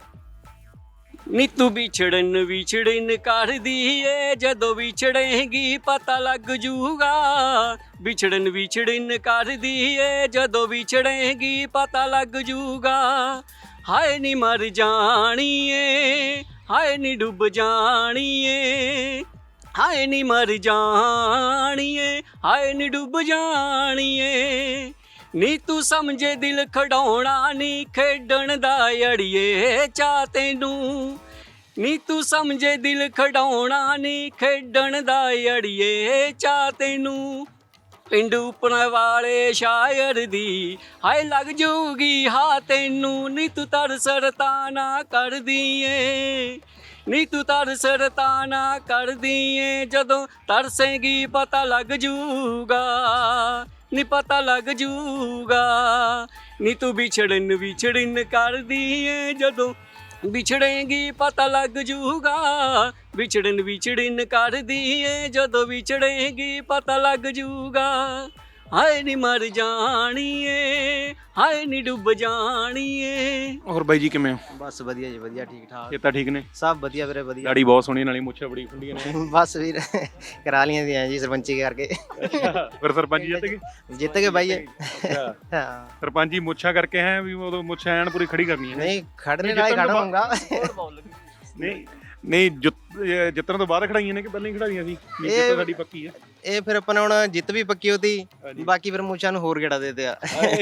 Speaker 3: ਨੀ ਤੂੰ ਵਿਛੜਨ ਵਿਛੜਨ ਕਰਦੀ ਏ, ਜਦੋਂ ਵਿਛੜੇਂਗੀ ਪਤਾ ਲੱਗ ਜੂਗਾ, ਵਿਛੜਨ ਵਿਛੜਨ ਕਰਦੀ ਏ, ਜਦੋਂ ਵਿਛੜੇਂਗੀ ਪਤਾ ਲੱਗ ਜੂਗਾ, ਹਾਏ ਨੀ ਮਰ ਜਾਣੀ ਏ, ਹਾਏ ਨੀ ਡੁੱਬ ਜਾਣੀ ਏ, ਹਾਏ ਨੀ ਮਰ ਜਾਣੀ ਏ, ਹਾਏ ਨੀ ਡੁੱਬ ਜਾਣੀ ਏ, ਨੀ ਤੂੰ ਸਮਝੇ ਦਿਲ ਖਡਾਉਣਾ ਨੀ ਖੇਡਣ ਦਾ ਅੜੀਏ ਚਾਹ ਤੈਨੂੰ, ਨੀ ਤੂੰ ਸਮਝੇ ਦਿਲ ਖਡਾਉਣਾ ਨੀ ਖੇਡਣ ਦਾ ਅੜੀਏ ਚਾਹ ਤੈਨੂੰ, ਪਿੰਡ ਉੱਪਰ ਵਾਲੇ ਸ਼ਾਇਰ ਦੀ ਹਾਏ ਲੱਗ ਜੂਗੀ ਹਾਂ ਤੈਨੂੰ, ਨੀ ਤੂੰ ਤਰਸ ਰਤਾਨਾ ਕਰਦੀ ਏ, ਨੀ ਤੂੰ ਤਰਸ ਰਤਾਨਾ ਕਰਦੀ ਏ, ਜਦੋਂ ਤਰਸੇਂਗੀ ਪਤਾ ਲੱਗ ਜੂਗਾ, ਨੀ ਪਤਾ ਲੱਗ ਜੂਗਾ, ਨੀ ਤੂੰ ਵਿਛੜਨ ਵਿਛੜਨ ਕਰਦੀ ਏ, ਜਦੋਂ ਵਿਛੜੇਂਗੀ ਪਤਾ ਲੱਗ ਜੂਗਾ, ਵਿਛੜਨ ਵਿਛੜਨ ਕਰਦੀ ਏ, ਜਦੋਂ ਵਿਛੜੇਂਗੀ ਪਤਾ ਲੱਗ ਜੂਗਾ, ਹਾਏ ਨੀ ਮਰ ਜਾਣੀ ਏ, ਹਾਏ ਨੀ ਡੁੱਬ ਜਾਣੀ ਏ।
Speaker 1: ਹੋਰ ਬਾਈ ਜੀ ਕਿਵੇਂ ਹੋ?
Speaker 8: ਬਸ ਵਧੀਆ ਜੀ, ਵਧੀਆ ਠੀਕ ਠਾਕ,
Speaker 1: ਇਹ ਤਾਂ ਠੀਕ ਨੇ?
Speaker 8: ਸਭ ਵਧੀਆ ਵੀਰੇ, ਵਧੀਆ।
Speaker 1: ਦਾੜੀ ਬਹੁਤ ਸੋਹਣੀ, ਨਾਲੇ ਮੁੱਛਾਂ ਬੜੀ ਖੁੱਲੀਆਂ ਨੇ।
Speaker 8: ਬਸ ਵੀਰ ਕਰਾ ਲੀਆਂ ਦੀਆਂ ਜੀ ਸਰਪੰਚੀ ਕਰਕੇ।
Speaker 1: ਅੱਛਾ, ਫਿਰ ਸਰਪੰਚ ਜਿੱਤ ਗਏ?
Speaker 8: ਜਿੱਤ ਗਏ ਬਾਈ।
Speaker 1: ਅੱਛਾ,
Speaker 8: ਹਾਂ,
Speaker 1: ਸਰਪੰਚੀ ਮੁੱਛਾਂ ਕਰਕੇ ਹੈ ਵੀ ਉਦੋਂ ਮੁੱਛਾਂ ਐਨ ਪੂਰੀ ਖੜੀ ਕਰਨੀ ਹੈ।
Speaker 8: ਨਹੀਂ ਖੜਨੇ ਨਾਲ ਹੀ ਖੜਾ ਹੋਊਗਾ।
Speaker 1: ਨਹੀਂ ਨਹੀਂ, ਜਿੱਤ- ਇਹ ਜਿੱਤਣ ਤੋਂ ਬਾਅਦ ਖੜਾਈਆਂ ਨੇ ਕਿ ਪਹਿਲਾਂ ਹੀ ਖੜਾਈਆਂ ਸੀ? ਨਹੀਂ, ਜਿੱਤ ਸਾਡੀ ਪੱਕੀ ਹੈ।
Speaker 8: ਇਹ ਫਿਰ ਆਪਾਂ ਨੇ ਹੁਣ ਜਿੱਤ ਵੀ ਪੱਕੀ ਹੋਤੀ, ਬਾਕੀ ਫਿਰ ਮੂਛਾਂ ਨੂੰ ਹੋਰ ਗੇੜਾ ਦੇ ਦਿਆ।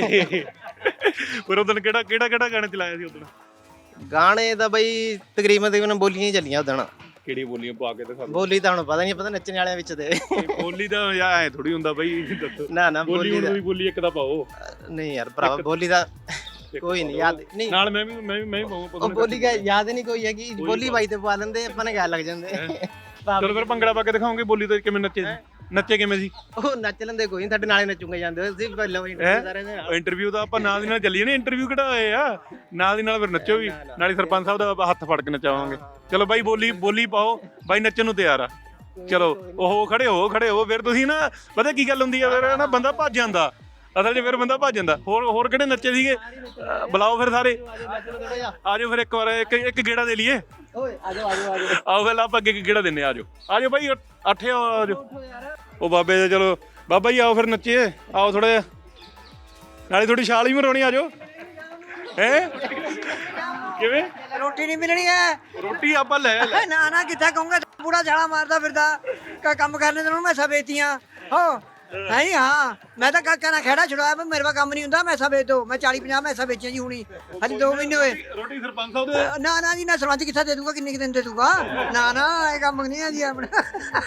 Speaker 1: ਪਰ ਉਦੋਂ ਕਿਹੜਾ ਕਿਹੜਾ ਕਿਹੜਾ ਗਾਣਾ ਚਲਾਇਆ ਸੀ ਉਦੋਂ?
Speaker 8: ਗਾਣੇ ਦਾ ਬਈ ਤਕਰੀਬਨ ਤਕਰੀਬਨ ਬੋਲੀਆਂ ਹੀ ਚੱਲੀਆਂ ਉਦੋਂ।
Speaker 1: ਕਿਹੜੀ ਬੋਲੀਆਂ ਪਾ ਕੇ ਦਿਖਾ?
Speaker 8: ਬੋਲੀ ਤਾਂ ਹੁਣ ਪਤਾ ਨਹੀਂ, ਪਤਾ ਨੱਚਣ ਵਾਲਿਆਂ ਵਿੱਚ ਤੇ
Speaker 1: ਬੋਲੀ ਦਾ ਯਾ ਐ ਥੋੜੀ ਹੁੰਦਾ ਬਾਈ, ਦੱਸੋ।
Speaker 8: ਨਾ ਨਾ
Speaker 1: ਬੋਲੀ
Speaker 8: ਬੋਲੀ
Speaker 1: ਹੁਣ
Speaker 8: ਦਾ
Speaker 1: ਵੀ ਬੋਲੀ ਇੱਕ ਦਾ ਪਾਓ।
Speaker 8: ਨਹੀਂ ਯਾਰ ਭਰਾਵਾ, ਬੋਲੀ ਦਾ ਕੋਈ ਨਹੀਂ ਯਾਦ ਨਹੀਂ,
Speaker 1: ਨਾਲ ਮੈਂ ਵੀ ਮੈਂ ਵੀ ਮੈਂ ਵੀ ਪਾਵਾਂ।
Speaker 8: ਉਹ ਬੋਲੀ ਦਾ ਯਾਦ ਨਹੀਂ ਕੋਈ ਹੈਗੀ, ਬੋਲੀ ਬਾਈ ਤੇ ਪਾ ਲੈਂਦੇ ਆਪਾਂ ਨੇ, ਗੱਲ ਲੱਗ ਜਾਂਦੇ।
Speaker 1: ਚਲੋ ਫਿਰ ਭੰਗੜਾ ਪਾ ਕੇ ਦਿਖਾਓਗੇ ਬੋਲੀ ਤੇ ਕਿਵੇਂ ਨੱਚੇ ਸੀ? ਨੱਚੇ ਕਿਵੇਂ ਸੀ?
Speaker 8: ਉਹ ਨੱਚ ਲੈਂਦੇ ਕੋਈ ਨਹੀਂ, ਸਾਡੇ ਨਾਲੇ ਨੱਚੂਗੇ ਜਾਂਦੇ ਸੀ ਪਹਿਲਾਂ ਵੀ ਸਾਰੇ ਦੇ ਨਾਲ।
Speaker 1: ਇੰਟਰਵਿਊ ਤਾਂ ਆਪਾਂ ਨਾਲ ਦੀ ਨਾਲ ਚੱਲੀਏ ਨਾ, ਇੰਟਰਵਿਊ ਕਿਹੜਾ ਹੋਏ ਆ, ਨਾਲ ਦੀ ਨਾਲ ਫਿਰ ਨੱਚੋ ਵੀ, ਨਾਲੇ ਸਰਪੰਚ ਸਾਹਿਬ ਦਾ ਆਪਾਂ ਹੱਥ ਫੜ ਕੇ ਨਚਾਵਾਂਗੇ। ਚਲੋ ਬਾਈ ਬੋਲੀ ਬੋਲੀ ਪਾਓ, ਬਾਈ ਨੱਚਣ ਨੂੰ ਤਿਆਰ ਆ। ਚਲੋ ਉਹ ਖੜੇ ਹੋ ਖੜੇ ਹੋ, ਫਿਰ ਤੁਸੀਂ ਨਾ ਪਤਾ ਕੀ ਗੱਲ ਹੁੰਦੀ ਆ, ਫਿਰ ਨਾ ਬੰਦਾ ਭੱਜ ਜਾਂਦਾ ਅਸਲ 'ਚ, ਫਿਰ ਬੰਦਾ ਭੱਜ ਜਾਂਦਾ। ਹੋਰ ਹੋਰ ਕਿਹੜੇ ਨੱਚੇ ਸੀਗੇ? ਅਹ ਬੁਲਾਓ ਫਿਰ ਸਾਰੇ, ਆ ਜਾਓ ਫਿਰ ਇੱਕ ਵਾਰ ਇੱਕ ਇੱਕ ਗੇੜਾ ਦੇ ਲਈਏ। ਆਓ ਫਿਰ ਆਪਾਂ ਅੱਗੇ ਗੇੜਾ ਦਿੰਨੇ, ਆ ਜਾਓ ਆ ਜਾਓ ਬਾਈ, ਅੱਠੇ ਆ ਜਾਓ। ਉਹ ਬਾਬੇ ਦੇ ਚਲੋ ਬਾਬਾ ਜੀ ਆਓ ਫਿਰ ਨੱਚੀਏ, ਆਓ ਥੋੜਾ ਜਿਹਾ, ਨਾਲੇ ਥੋੜੀ ਛਾਲ ਵੀ ਮਰਾਉਣੀ, ਆ ਜਾਓ। ਹੈ ਕਿਵੇਂ
Speaker 7: ਰੋਟੀ ਨਹੀਂ ਮਿਲਣੀ ਹੈ।
Speaker 1: ਰੋਟੀ ਆਪਾਂ ਲੈ ਲੈ
Speaker 7: ਨਾ ਨਾ ਕਿੱਥੇ ਕਹੂੰਗਾ, ਪੂਰਾ ਛਾਲਾ ਮਾਰਦਾ ਫਿਰਦਾ ਕਾ ਕੰਮ ਕਰਨੇ ਤੈਨੂੰ ਮੈਂ ਵੇਚਤੀਆਂ ਹੋ ਨਹੀਂ। ਹਾਂ ਮੈਂ ਤਾਂ ਕਾਕਾ ਨਾਲ ਖੇੜਾ ਛੁਡਾਇਆ, ਪਰ ਮੇਰੇ ਕੋਲ ਕੰਮ ਨਹੀਂ ਹੁੰਦਾ, ਮੈਸਾਂ ਵੇਚ ਦੋ। ਮੈਂ ਚਾਲੀ ਪੰਜਾਹ ਮੈਸਾਂ ਵੇਚੀਆਂ ਜੀ ਹੁਣੀ, ਹਜੇ ਦੋ ਮਹੀਨੇ ਹੋਏ।
Speaker 1: ਰੋਟੀ ਸਰਪੰਚ ਸਾਹਿਬ ਦੇ
Speaker 7: ਨਾ ਨਾ ਜੀ ਨਾ, ਸਰਪੰਚ ਕਿੱਥੇ ਦੇ ਦੂਗਾ, ਕਿੰਨੇ ਕੁ ਦਿਨ ਦੇ ਦੂਗਾ? ਨਾ ਨਾ ਇਹ ਕੰਮ ਨਹੀਂ ਹੈ ਜੀ ਆਪਣਾ।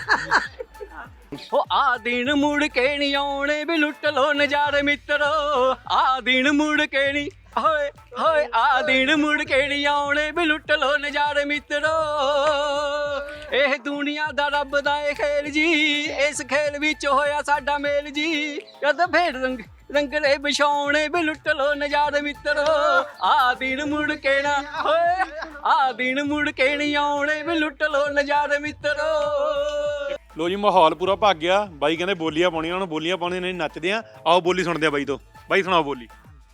Speaker 3: ਉਹ ਆ ਦਿਨ ਮੁੜ ਕੇ ਨਹੀਂ ਆਉਣੇ ਵੀ ਲੁੱਟ ਲੋ ਨਜ਼ਾਰੇ ਮਿੱਤਰੋ, ਆ ਦਿਨ ਮੁੜ ਕੇ ਨਹੀਂ ਹੋਏ ਹੋਏ, ਆ ਦਿਨ ਮੁੜ ਕੇ ਨਹੀਂ ਆਉਣੇ ਵੀ ਲੁੱਟ ਲੋ ਨਜ਼ਾਰੇ ਮਿੱਤਰੋ। ਇਹ ਦੁਨੀਆ ਦਾ ਰੱਬ ਦਾ ਇਹ ਖੇਲ ਜੀ, ਇਸ ਖੇਲ ਵਿੱਚ ਹੋਇਆ ਸਾਡਾ ਮੇਲ ਜੀ। ਕਦ ਫੇਰ ਰੰਗ ਰੰਗਲੇ ਵਿਛਾਉਣੇ ਵੀ ਲੁੱਟ ਲੋ ਨਜ਼ਾਰੇ ਮਿੱਤਰੋ, ਆ ਦਿਨ ਮੁੜ ਕੇ ਨਾ ਹੋਏ, ਆ ਦਿਨ ਮੁੜ ਕੇ ਨਹੀਂ ਆਉਣੇ ਵੀ ਲੁੱਟ ਲੋ ਨਜ਼ਾਰੇ ਮਿੱਤਰੋ।
Speaker 1: ਲੋ ਜੀ ਮਾਹੌਲ ਪੂਰਾ ਭੱਗ ਗਿਆ। ਬਾਈ ਕਹਿੰਦੇ ਬੋਲੀਆਂ ਪਾਉਣੀਆਂ, ਹੁਣ ਬੋਲੀਆਂ ਪਾਉਣੀਆਂ ਨਹੀਂ, ਨੱਚਦੇ ਆ। ਆਓ ਬੋਲੀ ਸੁਣਦੇ ਆ ਬਾਈ ਤੋਂ। ਬਾਈ ਸੁਣਾਓ ਬੋਲੀ।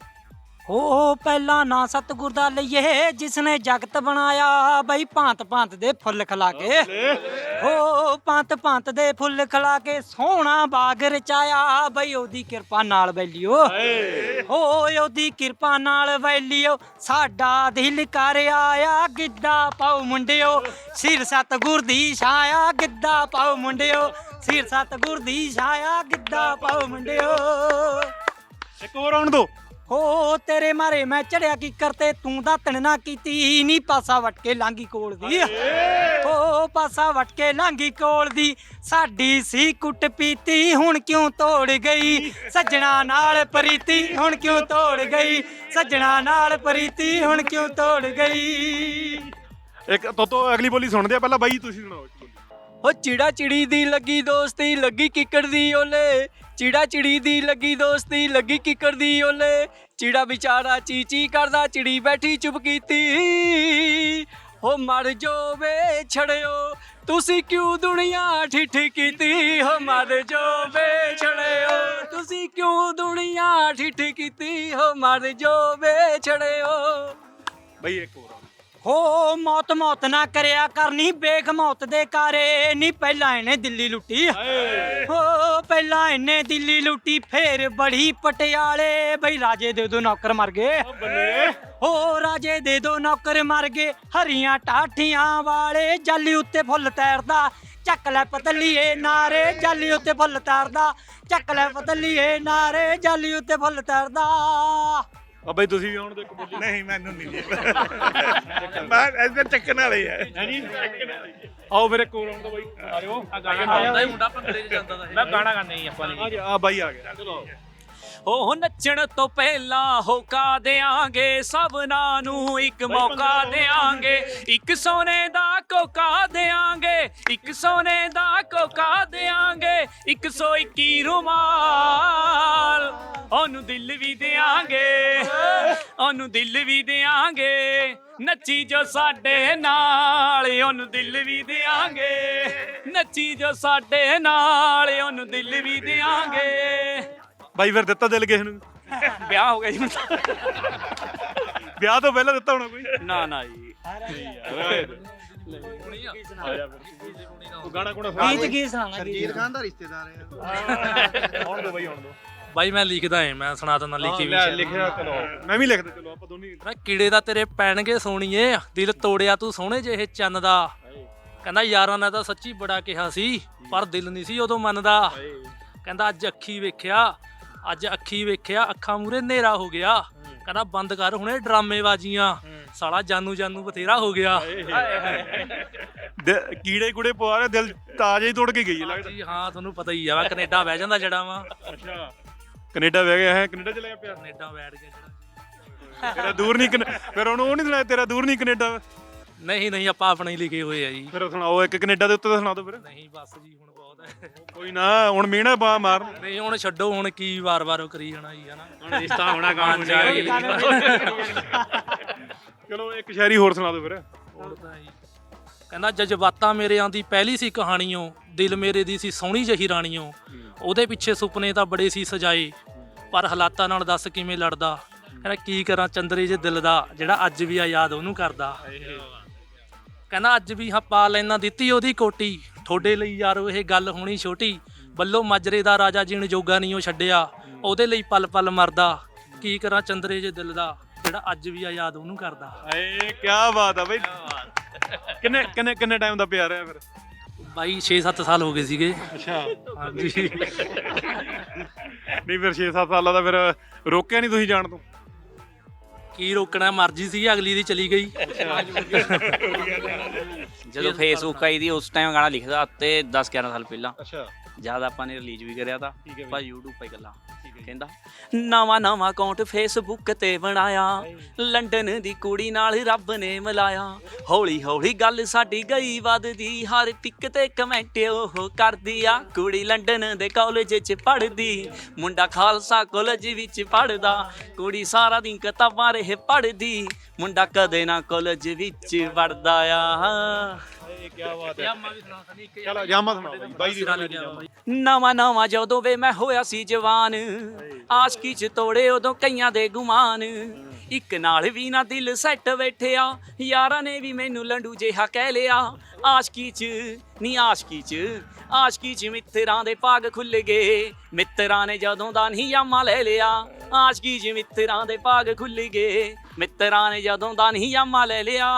Speaker 9: ਹੋ ਪਹਿਲਾ ਨਾ ਸਤਿਗੁਰ ਦਾ ਲਈਏ ਜਿਸਨੇ ਜਗਤ ਬਣਾਇਆ, ਬਈ ਭਾਂਤ ਭਾਂਤ ਦੇ ਫੁੱਲ ਖਿਲਾ ਕੇ, ਹੋ ਭਾਂਤ ਭਾਂਤ ਦੇ ਫੁੱਲ ਖਿਲਾ ਕੇ ਸੋਹਣਾ ਬਾਗ ਰਚਾਇਆ, ਬਈ ਉਹਦੀ ਕਿਰਪਾ ਨਾਲ ਵੈਲਿਓ, ਹੋ ਉਹਦੀ ਕਿਰਪਾ ਨਾਲ ਵੈਲਿਓ ਸਾਡਾ ਦਿਲ ਕਰ ਆਇਆ। ਗਿੱਧਾ ਪਾਓ ਮੁੰਡਿਓ ਸਿਰ ਸਤਿਗੁਰ ਦੀ ਛਾਇਆ, ਗਿੱਧਾ ਪਾਓ ਮੁੰਡਿਓ ਸਿਰ ਸਤਿਗੁਰ ਦੀ ਛਾਇਆ, ਗਿੱਧਾ ਪਾਓ ਮੁੰਡਿਓ।
Speaker 1: ਇੱਕ ਹੋਰ ਆਉਣ ਦੋ।
Speaker 9: ਹੋ ਤੇਰੇ ਮਾਰੇ ਮੈਂ ਚੜਿਆ ਕੀ ਕਰਤੇ, ਤੂੰ ਦਾਤਣ ਨਾ ਕੀਤੀ ਨੀ, ਪਾਸਾ ਵਟ ਕੇ ਲਾਂਗੀ ਕੋਲ ਦੀ, ਹੋ ਪਾਸਾ ਵਟ ਕੇ ਲਾਂਗੀ ਕੋਲ ਦੀ। ਸਾਡੀ ਸੀ ਕੁੱਟ ਪੀਤੀ ਹੁਣ ਕਿਉਂ ਤੋੜ ਗਈ, ਸੱਜਣਾ ਨਾਲ ਪ੍ਰੀਤੀ ਹੁਣ ਕਿਉਂ ਤੋੜ ਗਈ, ਸੱਜਣਾ ਨਾਲ ਪ੍ਰੀਤੀ ਹੁਣ ਕਿਉਂ ਤੋੜ ਗਈ।
Speaker 1: ਇੱਕ ਤੋਤੋ ਅਗਲੀ ਬੋਲੀ ਸੁਣਦੇ ਆ, ਪਹਿਲਾਂ ਬਾਈ ਤੁਸੀਂ ਸੁਣਾਓ।
Speaker 3: ਹੋ ਚਿੜਾ ਚਿੜੀ ਦੀ ਲੱਗੀ ਦੋਸਤੀ, ਲੱਗੀ ਕਿੱਕਰ ਦੀ ਓਲੇ, ਚਿੜਾ ਚਿੜੀ ਦੀ ਲੱਗੀ ਦੋਸਤੀ, ਲੱਗੀ ਕਿੱਕਰ ਦੀ ਓਲੇ। ਚਿੜਾ ਵਿਚਾਰਾ ਚੀ ਚੀ ਕਰਦਾ, ਚਿੜੀ ਬੈਠੀ ਚੁੱਪ ਕੀਤੀ। ਹੋ ਮਰ ਜੋ ਵੇ ਛੜਿਓ ਤੁਸੀਂ ਕਿਉਂ ਦੁਨੀਆ ਠਿੱਠ ਕੀਤੀ, ਹੋ ਮਰ ਜੋ ਵੇ ਛੜਿਓ ਤੁਸੀਂ ਕਿਉਂ ਦੁਨੀਆ ਠਿੱਠ ਕੀਤੀ, ਹੋ ਮਰ ਜੋ ਵੇ ਛੜਿਓ।
Speaker 1: ਬਾਈ ਇੱਕ ਹੋਰ
Speaker 9: ਹੋ ਮੌਤ ਮੌਤ ਨਾ ਕਰਿਆ ਕਰਨੀ, ਬੇਖ ਮੌਤ ਦੇ ਕਾਰੇ ਨੀ, ਪਹਿਲਾਂ ਇਹਨੇ ਦਿੱਲੀ ਲੁੱਟੀ, ਹੋ ਪਹਿਲਾਂ ਇਹਨੇ ਦਿੱਲੀ ਲੁੱਟੀ, ਫੇਰ ਬੜੀ ਪਟਿਆਲੇ, ਬਈ ਰਾਜੇ ਦੇ ਦੋ ਨੌਕਰ ਮਰ ਗਏ, ਹੋ ਰਾਜੇ ਦੇ ਦੋ ਨੌਕਰ ਮਰ ਗਏ। ਹਰੀਆਂ ਟਾਠੀਆਂ ਵਾਲੇ ਜਾਲੀ ਉੱਤੇ ਫੁੱਲ ਤੈਰਦਾ, ਚੱਕ ਲੈ ਪਤਲੀਏ ਨਾਰੇ ਜਾਲੀ ਉੱਤੇ ਫੁੱਲ ਤੈਰਦਾ, ਚੱਕ ਲੈ ਪਤਲੀਏ ਨਾਰੇ ਜਾਲੀ ਉੱਤੇ ਫੁੱਲ ਤੈਰਦਾ।
Speaker 1: ਆ ਬਾਈ ਤੁਸੀਂ ਵੀ ਆਉਣ ਦੋ ਇੱਕ ਬੋਲੀ।
Speaker 2: ਨਹੀਂ ਮੈਨੂੰ ਨਹੀਂ ਮੈਂ ਇੱਧਰ ਚੱਕਣ ਵਾਲੇ ਆ
Speaker 1: ਹਾਂਜੀ ਆਓ ਫਿਰ ਇੱਕ ਹੋਰ ਆਉਣ ਦੋ ਬਾਈ। ਆ ਜਾਓ।
Speaker 3: ਆਉਂਦਾ ਹੀ ਮੁੰਡਾ ਭੰਗੜੇ 'ਚ ਜਾਂਦਾ,
Speaker 2: ਮੈਂ ਗਾਣਾ ਗਾਣਾ ਹੀ ਆਪਾਂ ਨੇ।
Speaker 1: ਆ ਬਾਈ ਆ ਗਿਆ, ਚਲੋ।
Speaker 3: ਉਹ ਨੱਚਣ ਤੋਂ ਪਹਿਲਾਂ ਹੋਕਾ ਦਿਆਂਗੇ, ਸਭਨਾਂ ਨੂੰ ਇੱਕ ਮੌਕਾ ਦਿਆਂਗੇ, ਇੱਕ ਸੋਨੇ ਦਾ ਕੋਕਾ ਦਿਆਂਗੇ, ਇੱਕ ਸੋਨੇ ਦਾ ਕੋਕਾ ਦਿਆਂਗੇ, ਇੱਕ ਸੌ ਇੱਕੀ ਰੁਮਾਲ ਉਹਨੂੰ ਦਿਲ ਵੀ ਦਿਆਂਗੇ, ਉਹਨੂੰ ਦਿਲ ਵੀ ਦਿਆਂਗੇ, ਨੱਚੀ ਜੋ ਸਾਡੇ ਨਾਲ ਉਹਨੂੰ ਦਿਲ ਵੀ ਦਿਆਂਗੇ, ਨੱਚੀ ਜੋ ਸਾਡੇ ਨਾਲ ਉਹਨੂੰ ਦਿਲ ਵੀ ਦਿਆਂਗੇ।
Speaker 1: ਬਾਈ ਫਿਰ ਦਿੱਤਾ ਦਿਲ ਕਿਸੇ ਨੂੰ?
Speaker 3: ਵਿਆਹ ਹੋ ਗਿਆ ਜੀ ਹੁਣ ਤਾਂ।
Speaker 1: ਵਿਆਹ ਤੋਂ ਪਹਿਲਾਂ ਦਿੱਤਾ ਹੋਣਾ ਕੋਈ?
Speaker 3: ਨਾ ਨਾ ਜੀ।
Speaker 1: ਤੂੰ ਗਾਣਾ ਕੋਣਾ ਸੁਣਾ।
Speaker 9: ਗੀਤ ਕੀ ਸੁਣਾਣਾ?
Speaker 8: ਸਰਜੀਤ ਖਾਨ ਦਾ ਰਿਸ਼ਤੇਦਾਰ ਹੈ।
Speaker 1: ਆਉਣ ਦੋ ਬਾਈ ਆਉਣ ਦੋ।
Speaker 10: ਬਾਈ ਮੈਂ ਲਿਖਦਾ ਏ, ਮੈਂ ਸੁਣਾ ਦਿੰਦਾ ਲਿਖੀ ਵੀ।
Speaker 1: ਲਿਖਿਆ ਚਲੋ ਮੈਂ ਵੀ ਲਿਖਦਾ, ਚਲੋ ਆਪਾਂ ਦੋਨੇ।
Speaker 10: ਮੈਂ ਕੀੜੇ ਦਾ ਤੇਰੇ ਪੈਣਗੇ ਸੋਣੀਏ, ਦਿਲ ਤੋੜਿਆ ਤੂੰ ਸੋਹਣੇ ਜਿਹੇ ਚੰਨ ਦਾ। ਕਹਿੰਦਾ ਯਾਰਾਂ ਨੇ ਤਾਂ ਸੱਚੀ ਬੜਾ ਕਿਹਾ ਸੀ, ਪਰ ਦਿਲ ਨਹੀਂ ਸੀ ਉਦੋਂ ਮੰਨਦਾ। ਕਹਿੰਦਾ ਅੱਜ ਅੱਖੀ ਵੇਖਿਆ, ਅੱਜ ਅੱਖੀ ਵੇਖਿਆ, ਅੱਖਾਂ ਮੂਰੇ ਹਨੇਰਾ ਹੋ ਗਿਆ। ਕਹਿੰਦਾ ਬੰਦ ਕਰ ਹੁਣੇ ਡਰਾਮੇਬਾਜ਼ੀਆਂ, ਸਾਲਾ ਜਾਨੂ ਜਾਨੂ ਬਥੇਰਾ ਹੋ ਗਿਆ।
Speaker 1: ਕੀੜੇ ਕੁੜੇ ਪਵਾ ਰਹੇ, ਦਿਲ ਤਾਜ਼ਾ ਹੀ ਤੋੜ ਕੇ ਗਈ ਹੈ ਲੱਗਦਾ
Speaker 10: ਜੀ। ਹਾਂ ਤੁਹਾਨੂੰ ਪਤਾ ਹੀ ਆ, ਮੈਂ ਕੈਨੇਡਾ ਬਹਿ ਜਾਂਦਾ ਜਿਹੜਾ ਵਾ।
Speaker 1: ਅੱਛਾ ਕੈਨੇਡਾ ਬਹਿ ਗਿਆ ਹੈ, ਕੈਨੇਡਾ ਚਲਾ ਗਿਆ ਪਿਆ।
Speaker 10: ਕੈਨੇਡਾ ਬੈਠ ਗਿਆ ਜਿਹੜਾ।
Speaker 1: ਤੇਰਾ ਦੂਰ ਨਹੀਂ, ਫਿਰ ਉਹਨੂੰ ਉਹ ਨਹੀਂ ਸੁਣਾਇਆ ਤੇਰਾ ਦੂਰ ਨਹੀਂ ਕੈਨੇਡਾ?
Speaker 10: ਨਹੀਂ ਨਹੀਂ ਆਪਾਂ ਆਪਣੇ ਹੀ ਲਿਖੇ ਹੋਏ ਆ ਜੀ।
Speaker 1: ਫਿਰ ਸੁਣਾਓ ਇੱਕ ਕੈਨੇਡਾ ਦੇ ਉੱਤੇ ਤਾਂ ਸੁਣਾ ਦਿਓ ਫਿਰ।
Speaker 10: ਨਹੀਂ ਬਸ ਜੀ ਹੁਣ ਬਹੁਤ ਹੈ।
Speaker 1: ਕੋਈ ਨਾ ਹੁਣ ਮੀਣਾ ਬਾ ਮਾਰ।
Speaker 10: ਨਹੀਂ ਹੁਣ ਛੱਡੋ, ਹੁਣ ਕੀ ਵਾਰ-ਵਾਰ ਉਹ ਕਰੀ ਜਾਣਾ ਜੀ, ਹਨਾ।
Speaker 2: ਹੁਣ ਰਿਸ਼ਤਾ ਹੋਣਾ ਕੰਮ
Speaker 1: ਚਲੋ ਇੱਕ ਸ਼ਾਇਰੀ ਹੋਰ ਸੁਣਾ ਦਿਓ ਫਿਰ।
Speaker 10: ਹੋਰ ਤਾਂ ਜੀ ਕਹਿੰਦਾ ਜਜ਼ਬਾਤਾਂ ਮੇਰਿਆਂ ਦੀ ਪਹਿਲੀ ਸੀ ਕਹਾਣੀਓ, ਦਿਲ ਮੇਰੇ ਦੀ ਸੀ ਸੋਹਣੀ ਜਹੀ ਰਾਣੀਓ। ਉਹਦੇ ਪਿੱਛੇ ਸੁਪਨੇ ਤਾਂ ਬੜੇ ਸੀ ਸਜਾਏ, ਪਰ ਹਾਲਾਤਾਂ ਨਾਲ ਦੱਸ ਕਿਵੇਂ ਲੜਦਾ। ਕਹਿੰਦਾ ਕੀ ਕਰਾਂ ਚੰਦਰੇ ਜੇ ਦਿਲ ਦਾ, ਜਿਹੜਾ ਅੱਜ ਵੀ ਆ ਯਾਦ ਉਹਨੂੰ ਕਰਦਾ। ਕਹਿੰਦਾ ਅੱਜ ਵੀ ਹਾਂ ਪਾ ਲੈਣਾ ਦਿੱਤੀ ਉਹਦੀ ਕੋਟੀ, ਤੁਹਾਡੇ ਲਈ ਯਾਰੋ ਇਹ ਗੱਲ ਹੋਣੀ ਛੋਟੀ। ਬੱਲੋ ਮਾਜਰੇ ਦਾ ਰਾਜਾ ਜੀਣ ਜੋਗਾ ਨਹੀਂ ਉਹ ਛੱਡਿਆ, ਉਹਦੇ ਲਈ ਪਲ ਪਲ ਮਰਦਾ, ਕੀ ਕਰਾਂ ਚੰਦਰੇ ਜੇ ਦਿਲ ਦਾ, ਜਿਹੜਾ ਅੱਜ ਵੀ ਆ ਯਾਦ ਉਹਨੂੰ ਕਰਦਾ।
Speaker 1: ਏ ਕੀ ਬਾਤ ਆ ਬਈ। ਕਿੰਨੇ ਕਿੰਨੇ ਕਿੰਨੇ ਟਾਈਮ ਦਾ ਪਿਆਰ ਹੈ ਫਿਰ?
Speaker 10: ਬਾਈ ਛੇ ਸੱਤ ਸਾਲ ਹੋ ਗਏ ਸੀਗੇ।
Speaker 1: ਅੱਛਾ
Speaker 10: ਹਾਂਜੀ।
Speaker 1: ਨਹੀਂ ਫਿਰ ਛੇ ਸੱਤ ਸਾਲਾਂ ਦਾ ਫਿਰ ਰੋਕਿਆ ਨਹੀਂ ਤੁਸੀਂ ਜਾਣ ਤੋਂ?
Speaker 10: ਕੀ ਰੋਕਣਾ, ਮਰਜ਼ੀ ਸੀ ਅਗਲੀ ਦੀ ਚਲੀ ਗਈ।
Speaker 3: ਜਦੋਂ ਫੇਸਬੁੱਕ ਆਈ ਦੀ ਉਸ ਟਾਈਮ ਗਾਣਾ ਲਿਖਦਾ ਤੇ ਦਸ ਗਿਆਰਾਂ ਸਾਲ ਪਹਿਲਾਂ,
Speaker 1: ਅੱਛਾ
Speaker 3: ਜਦ ਆਪਾਂ ਨੇ ਰਿਲੀਜ਼ ਵੀ ਕਰਿਆ ਤਾਂ
Speaker 1: ਠੀਕ ਹੈ
Speaker 3: ਪਰ YouTube 'ਤੇ ਗੱਲਾਂ ਕਹਿੰਦਾ ਨਵਾਂ ਨਵਾਂ ਅਕਾਊਂਟ ਫੇਸਬੁੱਕ ਤੇ ਬਣਾਇਆ, ਲੰਡਨ ਦੀ ਕੁੜੀ ਨਾਲ ਰੱਬ ਨੇ ਮਿਲਾਇਆ, ਹੌਲੀ ਹੌਲੀ ਗੱਲ ਸਾਡੀ ਗਈ ਵੱਧਦੀ, ਹਰ ਟਿਕ ਤੇ ਕਮੈਂਟ ਉਹ ਕਰਦੀ ਆ, ਕੁੜੀ ਲੰਡਨ ਦੇ ਕਾਲਜ 'ਚ ਪੜ੍ਹਦੀ, ਮੁੰਡਾ ਖਾਲਸਾ ਕਾਲਜ ਵਿੱਚ ਪੜ੍ਹਦਾ, ਕੁੜੀ ਸਾਰਾ ਦਿਨ ਕਿਤਾਬਾਂ ਰਹੇ ਪੜ੍ਹਦੀ, ਮੁੰਡਾ ਕਦੇ ਨਾ ਕਾਲਜ ਵਿੱਚ ਵੜਦਾ ਆ।
Speaker 1: ਕੀ ਬਾਤ ਹੈ। ਚਲੋ ਜਾਮਾ ਸੁਣਾਓ ਬਾਈ ਦੀ
Speaker 3: ਨਵਾਂ ਨਵਾਂ ਜਦੋਂ ਵੇ ਮੈਂ ਹੋਇਆ ਸੀ ਜਵਾਨ, ਆਸ਼ਕੀ 'ਚ ਤੋੜੇ ਉਦੋਂ ਕਈਆਂ ਦੇ ਗੁਮਾਨ, ਇੱਕ ਨਾਲ ਵੀ ਨਾ ਦਿਲ ਸੈੱਟ ਬੈਠਿਆ, ਯਾਰਾਂ ਨੇ ਵੀ ਮੈਨੂੰ ਲੰਡੂ ਜਿਹਾ ਕਹਿ ਲਿਆ, ਆਸ਼ਕੀ 'ਚ ਨੀ ਆਸ਼ਕੀ 'ਚ ਆਸ਼ਕੀ 'ਚ ਮਿੱਤਰਾਂ ਦੇ ਭਾਗ ਖੁੱਲ ਗਏ, ਮਿੱਤਰਾਂ ਨੇ ਜਦੋਂ ਦਾ ਨਹੀਂ ਯਾਮਾ ਲੈ ਲਿਆ, ਆਸ਼ਕੀ 'ਚ ਮਿੱਤਰਾਂ ਦੇ ਭਾਗ ਖੁੱਲ ਗਏ, ਮਿੱਤਰਾਂ ਨੇ ਜਦੋਂ ਦਾ ਨਹੀਂ ਯਾਮਾ ਲੈ ਲਿਆ।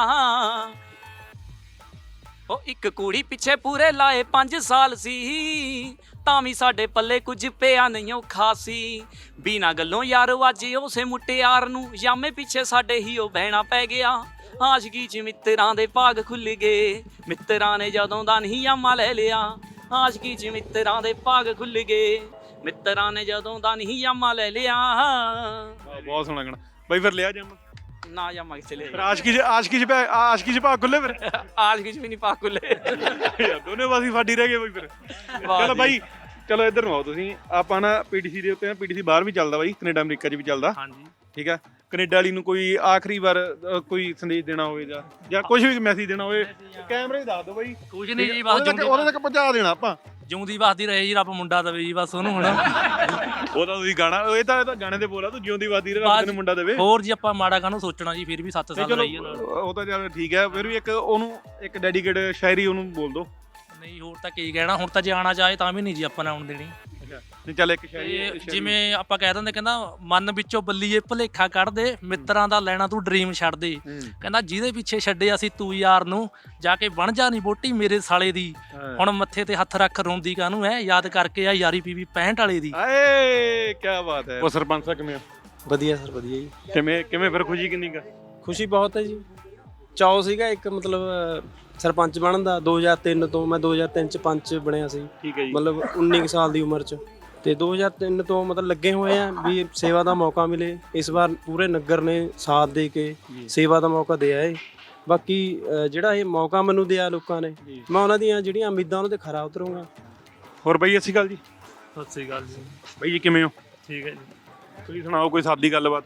Speaker 3: ਉਹ ਇੱਕ ਕੁੜੀ ਪਿੱਛੇ ਪੂਰੇ ਲਾਏ ਪੰਜ ਸਾਲ ਸੀ, ਤਾਂ ਵੀ ਸਾਡੇ ਪੱਲੇ ਕੁਝ ਪਿਆ ਨਹੀਂ ਉਹ ਖਾਸੀ, ਬਿਨਾਂ ਗੱਲੋਂ ਯਾਰ ਅੱਜ ਉਸੇ ਮੁਟਿਆਰ ਨੂੰ ਯਾਮੇ ਪਿੱਛੇ ਸਾਡੇ ਹੀ ਉਹ ਬਹਿਣਾ ਪੈ ਗਿਆ, ਆਸ਼ਕੀ 'ਚ ਮਿੱਤਰਾਂ ਦੇ ਭਾਗ ਖੁੱਲ ਗਏ, ਮਿੱਤਰਾਂ ਨੇ ਜਦੋਂ ਦਾ ਨਹੀਂ ਯਾਮਾ ਲੈ ਲਿਆ, ਆਸ਼ਕੀ 'ਚ ਮਿੱਤਰਾਂ ਦੇ ਭਾਗ ਖੁੱਲ ਗਏ, ਮਿੱਤਰਾਂ ਨੇ ਜਦੋਂ ਦਾ ਨਹੀਂ ਯਾਮਾ ਲੈ ਲਿਆ।
Speaker 1: ਬਹੁਤ ਸੋਹਣਾ ਗਾਣਾ ਬਾਈ। ਫਿਰ ਲਿਆ ਜਾਮਾ
Speaker 3: ਨਾ ਯਾਮਾ ਕਿੱਥੇ ਲੈ
Speaker 1: ਫਿਰ? ਆਸ਼ਕੀ 'ਚ ਆਸ਼ਕੀ 'ਚ ਭਾ- ਆਸ਼ਕੀ 'ਚ ਭਾਗ ਖੁੱਲੇ ਫਿਰ?
Speaker 3: ਆਸ਼ਕੀ 'ਚ ਵੀ ਨਹੀਂ ਭਾਗ ਖੁੱਲੇ।
Speaker 1: ਯਾਰ ਦੋਨੇ ਪਾਸੇ ਫਾਡੀ ਰਹਿ ਗਏ ਬਾਈ ਫਿਰ। ਚਲੋ ਬਾਈ ਚਲੋ ਇੱਧਰ ਨੂੰ ਆਓ ਤੁਸੀਂ। ਆਪਾਂ ਨਾ ਪੀਟੀਸੀ ਦੇ ਉੱਤੇ ਨਾ ਪੀਟੀਸੀ ਬਾਹਰ ਵੀ ਚੱਲਦਾ ਬਾਈ, ਕੈਨੇਡਾ ਅਮਰੀਕਾ 'ਚ ਵੀ ਚੱਲਦਾ।
Speaker 10: ਹਾਂਜੀ
Speaker 1: ਠੀਕ ਆ, ਕੈਨੇਡਾ ਵਾਲੀ ਨੂੰ ਕੋਈ ਆਖਰੀ ਵਾਰ ਅ, ਕੋਈ ਸੰਦੇਸ਼ ਦੇਣਾ ਹੋਵੇ ਜਾਂ ਜਾਂ ਕੁਝ ਵੀ ਮੈਸੇਜ ਦੇਣਾ ਹੋਵੇ, ਕੈਮਰੇ 'ਚ ਦੱਸ ਦਿਓ ਬਾਈ।
Speaker 10: ਕੁਝ ਨਹੀਂ ਜੀ, ਬਸ
Speaker 1: ਉਹਦੇ ਤੱਕ ਉਹਦੇ ਤੱਕ ਪਹੁੰਚਾ ਦੇਣਾ ਆਪਾਂ।
Speaker 10: ਜਿਉਂਦੀ ਵਸਦੀ ਰਹੇ ਜੀ, ਰੱਬ ਮੁੰਡਾ ਦੇਵੇ ਜੀ ਬਸ ਉਹਨੂੰ। ਹੁਣ
Speaker 1: ਉਹ ਤਾਂ ਤੁਸੀਂ ਗਾਣਾ, ਇਹ ਤਾਂ ਇਹ ਤਾਂ ਗਾਣੇ ਦੇ ਬੋਲਾ, ਤੂੰ ਜਿਉਂਦੀ ਵਾਦੀ ਰੱਬ ਤੈਨੂੰ ਮੁੰਡਾ ਦੇਵੇ।
Speaker 10: ਹੋਰ ਜੀ ਆਪਾਂ ਮਾੜਾ ਕਾਹਨੂੰ ਸੋਚਣਾ ਜੀ, ਫਿਰ ਵੀ ਸੱਤ ਸਾਲ ਰਹੀ ਹੈ ਨਾਲ।
Speaker 1: ਉਹ ਤਾਂ ਚੱਲ ਠੀਕ ਹੈ, ਫਿਰ ਵੀ ਇੱਕ ਉਹਨੂੰ ਇੱਕ ਡੈਡੀਕੇਟ ਸ਼ਾਇਰੀ ਉਹਨੂੰ ਬੋਲ ਦੋ।
Speaker 10: ਨਹੀਂ ਹੋਰ ਤਾਂ ਕੀ ਕਹਿਣਾ, ਹੁਣ ਤਾਂ ਜੇ ਆਉਣਾ ਚਾਹੇ ਤਾਂ ਵੀ ਨਹੀਂ ਜੀ ਆਪਾਂ ਨੇ ਆਉਣ ਦੇਣੀ।
Speaker 1: ਨਹੀਂ ਚੱਲ ਇੱਕ
Speaker 10: ਤੇ
Speaker 1: ਸ਼ਾਇਰੀ
Speaker 10: ਜਿਵੇਂ ਆਪਾਂ ਕਹਿ ਦਿੰਦੇ, ਕਹਿੰਦਾ ਮਨ ਵਿੱਚੋਂ ਬੱਲੀਏ ਭੁਲੇਖਾ ਕੱਢ ਦੇ, ਮਿੱਤਰਾਂ ਦਾ ਲੈਣਾ ਤੂੰ ਡ੍ਰੀਮ ਛੱਡ ਦੇ, ਕਹਿੰਦਾ ਜਿਹਦੇ ਪਿੱਛੇ ਛੱਡਿਆ ਸੀ ਤੂੰ ਯਾਰ ਨੂੰ, ਜਾ ਕੇ ਬਣ ਜਾ ਨਹੀਂ ਬੋਟੀ ਮੇਰੇ ਸਾਲੇ ਦੀ, ਹੁਣ ਮੱਥੇ ਤੇ ਹੱਥ ਰੱਖ ਰੋਂਦੀ ਕਾਹਨੂੰ ਐ, ਯਾਦ ਕਰਕੇ ਆ ਯਾਰੀ ਪੀਵੀ ਪੈਂਹਠ ਵਾਲੇ ਦੀ।
Speaker 1: ਆਏ ਕੀ ਬਾਤ ਹੈ। ਉਹ ਸਰਪੰਚ ਸਾਹਿਬ ਕਿਵੇਂ ਆ?
Speaker 11: ਵਧੀਆ ਸਰ ਵਧੀਆ ਜੀ।
Speaker 1: ਕਿਵੇਂ ਕਿਵੇਂ ਫਿਰ ਖੁਸ਼ੀ ਕਿੰਨੀ ਕਾ?
Speaker 11: ਖੁਸ਼ੀ ਬਹੁਤ ਹੈ ਜੀ। ਚਾਅ ਸੀਗਾ ਇੱਕ ਮਤਲਬ ਸਰਪੰਚ ਬਣਨ ਦਾ ਦੋ ਹਜ਼ਾਰ ਤਿੰਨ ਤੋਂ, ਮੈਂ ਦੋ ਹਜ਼ਾਰ ਤਿੰਨ ਚ ਪੰਚ ਬਣਿਆ ਸੀ।
Speaker 1: ਠੀਕ ਹੈ ਜੀ।
Speaker 11: ਮਤਲਬ ਉੱਨੀ ਕੁ ਸਾਲ ਦੀ ਉਮਰ ਚ, ਤੇ ਦੋ ਹਜ਼ਾਰ ਤਿੰਨ ਤੋਂ ਮਤਲਬ ਲੱਗੇ ਹੋਏ ਆ ਵੀ ਸੇਵਾ ਦਾ ਮੌਕਾ ਮਿਲੇ। ਇਸ ਵਾਰ ਪੂਰੇ ਨਗਰ ਨੇ ਸਾਥ ਦੇ ਕੇ ਸੇਵਾ ਦਾ ਮੌਕਾ ਦਿਆ ਏ। ਬਾਕੀ ਅ, ਜਿਹੜਾ ਇਹ ਮੌਕਾ ਮੈਨੂੰ ਦਿਆ ਲੋਕਾਂ ਨੇ, ਮੈਂ ਉਹਨਾਂ ਦੀਆਂ ਜਿਹੜੀਆਂ ਉਮੀਦਾਂ ਉਹਨਾਂ ਤੇ ਖਰਾ ਉਤਰੂੰਗਾ।
Speaker 1: ਹੋਰ ਬਾਈ ਸਤਿ ਸ਼੍ਰੀ ਅਕਾਲ ਜੀ।
Speaker 10: ਸਤਿ ਸ੍ਰੀ ਅਕਾਲ ਜੀ।
Speaker 1: ਬਾਈ ਜੀ ਕਿਵੇਂ ਹੋ?
Speaker 10: ਠੀਕ ਹੈ ਜੀ।
Speaker 1: ਤੁਸੀਂ ਸੁਣਾਓ ਕੋਈ ਸਾਦੀ ਗੱਲਬਾਤ।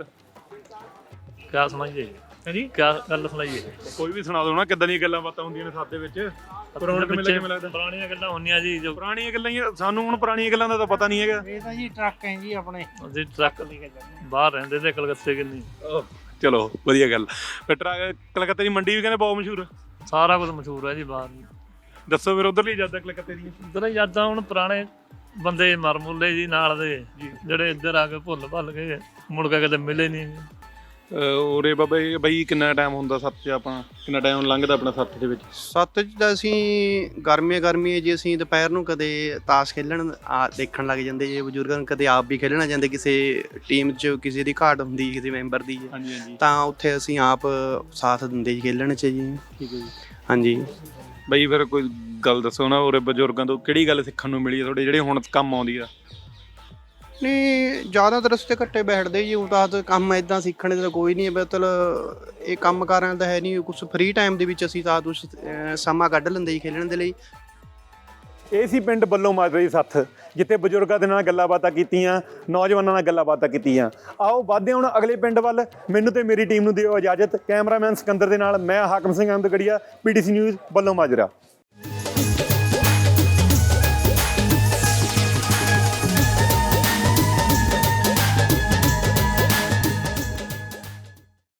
Speaker 10: ਕਿਆ ਸੁਣਾਈਏ
Speaker 1: ਹਾਂਜੀ
Speaker 10: ਕਿਆ ਗੱਲ ਸੁਣਾਈਏ?
Speaker 1: ਕੋਈ ਵੀ ਸੁਣਾ ਦਿਓ ਨਾ, ਕਿੱਦਾਂ ਦੀਆਂ ਗੱਲਾਂ ਬਾਤਾਂ ਹੁੰਦੀਆਂ ਨੇ ਸਾਦੇ ਵਿੱਚ। ਪੁਰਾਣੇ ਕਿਵੇਂ ਕਿਵੇਂ ਲੱਗਦਾ?
Speaker 10: ਪੁਰਾਣੀਆਂ ਗੱਲਾਂ ਹੁੰਦੀਆਂ ਜੀ, ਜੋ
Speaker 1: ਪੁਰਾਣੀਆਂ ਗੱਲਾਂ ਹੀ ਆ, ਸਾਨੂੰ ਹੁਣ ਪੁਰਾਣੀਆਂ ਗੱਲਾਂ ਦਾ ਤਾਂ ਪਤਾ ਨਹੀਂ ਹੈਗਾ।
Speaker 9: ਇਹ ਤਾਂ ਜੀ ਟਰੱਕ ਹੈ ਜੀ ਆਪਣੇ।
Speaker 10: ਅਸੀਂ ਟਰੱਕ ਬਾਹਰ ਰਹਿੰਦੇ ਤੇ ਕਲਕੱਤੇ ਕਿੰਨੀ।
Speaker 1: ਚਲੋ ਵਧੀਆ ਗੱਲ। ਫਿਰ ਟਰੱਕ ਕਲਕੱਤੇ ਦੀ ਮੰਡੀ ਵੀ ਕਹਿੰਦੇ ਬਹੁਤ ਮਸ਼ਹੂਰ ਆ।
Speaker 10: ਸਾਰਾ ਕੁਝ ਮਸ਼ਹੂਰ ਹੈ ਜੀ ਬਾਹਰ।
Speaker 1: ਦੱਸੋ ਫਿਰ ਉਧਰਲੀ ਯਾਦਾਂ ਕਲਕੱਤੇ ਦੀਆਂ।
Speaker 10: ਉਧਰ ਯਾਦਾਂ ਹੁਣ ਪੁਰਾਣੇ ਬੰਦੇ ਮਰ ਮੁੱਲੇ ਜੀ ਨਾਲ ਦੇ, ਜਿਹੜੇ ਇੱਧਰ ਆ ਕੇ ਭੁੱਲ ਭੱਲ ਗਏ, ਮੁੜ ਕੇ ਕਦੇ ਮਿਲੇ ਨਹੀਂ।
Speaker 1: ਉਰੇ ਬਾਬਾ ਜੀ ਬਾਈ ਕਿੰਨਾ ਟਾਈਮ ਹੁੰਦਾ ਸੱਤ 'ਚ? ਆਪਾਂ ਕਿੰਨਾ ਟਾਈਮ ਲੰਘਦਾ ਆਪਣਾ ਸੱਤ ਦੇ ਵਿੱਚ?
Speaker 8: ਸੱਤ 'ਚ ਤਾਂ ਅਸੀਂ ਗਰਮੀਆਂ ਗਰਮੀਆਂ ਜੀ ਅਸੀਂ ਦੁਪਹਿਰ ਨੂੰ ਕਦੇ ਤਾਸ਼ ਖੇਲਣ ਆ ਦੇਖਣ ਲੱਗ ਜਾਂਦੇ ਜੀ ਬਜ਼ੁਰਗਾਂ ਨੂੰ, ਕਦੇ ਆਪ ਵੀ ਖੇਲਣਾ ਜਾਂਦੇ, ਕਿਸੇ ਟੀਮ 'ਚ ਕਿਸੇ ਦੀ ਘਾਟ ਹੁੰਦੀ ਕਿਸੇ ਮੈਂਬਰ ਦੀ
Speaker 1: ਹਾਂਜੀ ਹਾਂਜੀ।
Speaker 8: ਤਾਂ ਉੱਥੇ ਅਸੀਂ ਆਪ ਸਾਥ ਦਿੰਦੇ ਜੀ ਖੇਲਣ 'ਚ ਜੀ।
Speaker 1: ਠੀਕ ਹੈ ਜੀ।
Speaker 8: ਹਾਂਜੀ
Speaker 1: ਬਾਈ ਫਿਰ ਕੋਈ ਗੱਲ ਦੱਸੋ ਨਾ, ਉਰੇ ਬਜ਼ੁਰਗਾਂ ਤੋਂ ਕਿਹੜੀ ਗੱਲ ਸਿੱਖਣ ਨੂੰ ਮਿਲੀ ਹੈ ਤੁਹਾਡੇ, ਜਿਹੜੇ ਹੁਣ ਕੰਮ ਆਉਂਦੀ ਆ?
Speaker 8: ਨਹੀਂ ਜ਼ਿਆਦਾਤਰ ਰਸਤੇ ਘੱਟੇ ਬੈਠਦੇ ਜੀ, ਉਹ ਤਾਂ ਕੰਮ ਇੱਦਾਂ ਸਿੱਖਣ ਦਾ ਕੋਈ ਨਹੀਂ, ਮਤਲਬ ਇਹ ਕੰਮ ਕਾਰਾਂ ਦਾ ਹੈ ਨਹੀਂ ਕੁਛ। ਫ੍ਰੀ ਟਾਈਮ ਦੇ ਵਿੱਚ ਅਸੀਂ ਤਾਂ ਕੁਛ ਸਮਾਂ ਕੱਢ ਲੈਂਦੇ ਜੀ ਖੇਲਣ ਦੇ ਲਈ।
Speaker 1: ਇਹ ਸੀ ਪਿੰਡ ਬੱਲੋ ਮਾਜਰਾ ਦੀ ਸੱਥ, ਜਿੱਥੇ ਬਜ਼ੁਰਗਾਂ ਦੇ ਨਾਲ ਗੱਲਾਂ ਬਾਤਾਂ ਕੀਤੀਆਂ, ਨੌਜਵਾਨਾਂ ਨਾਲ ਗੱਲਾਂ ਬਾਤਾਂ ਕੀਤੀਆਂ। ਆਓ ਵੱਧਦੇ ਹੁਣ ਅਗਲੇ ਪਿੰਡ ਵੱਲ। ਮੈਨੂੰ ਤੇ ਮੇਰੀ ਟੀਮ ਨੂੰ ਦਿਓ ਇਜਾਜ਼ਤ। ਕੈਮਰਾਮੈਨ ਸਿਕੰਦਰ ਦੇ ਨਾਲ ਮੈਂ ਹਾਕਮ ਸਿੰਘ ਅਹਿਮਦਗੜੀਆ, ਪੀਟੀਸੀ ਨਿਊਜ਼ ਬੱਲੋ ਮਾਜਰਾ।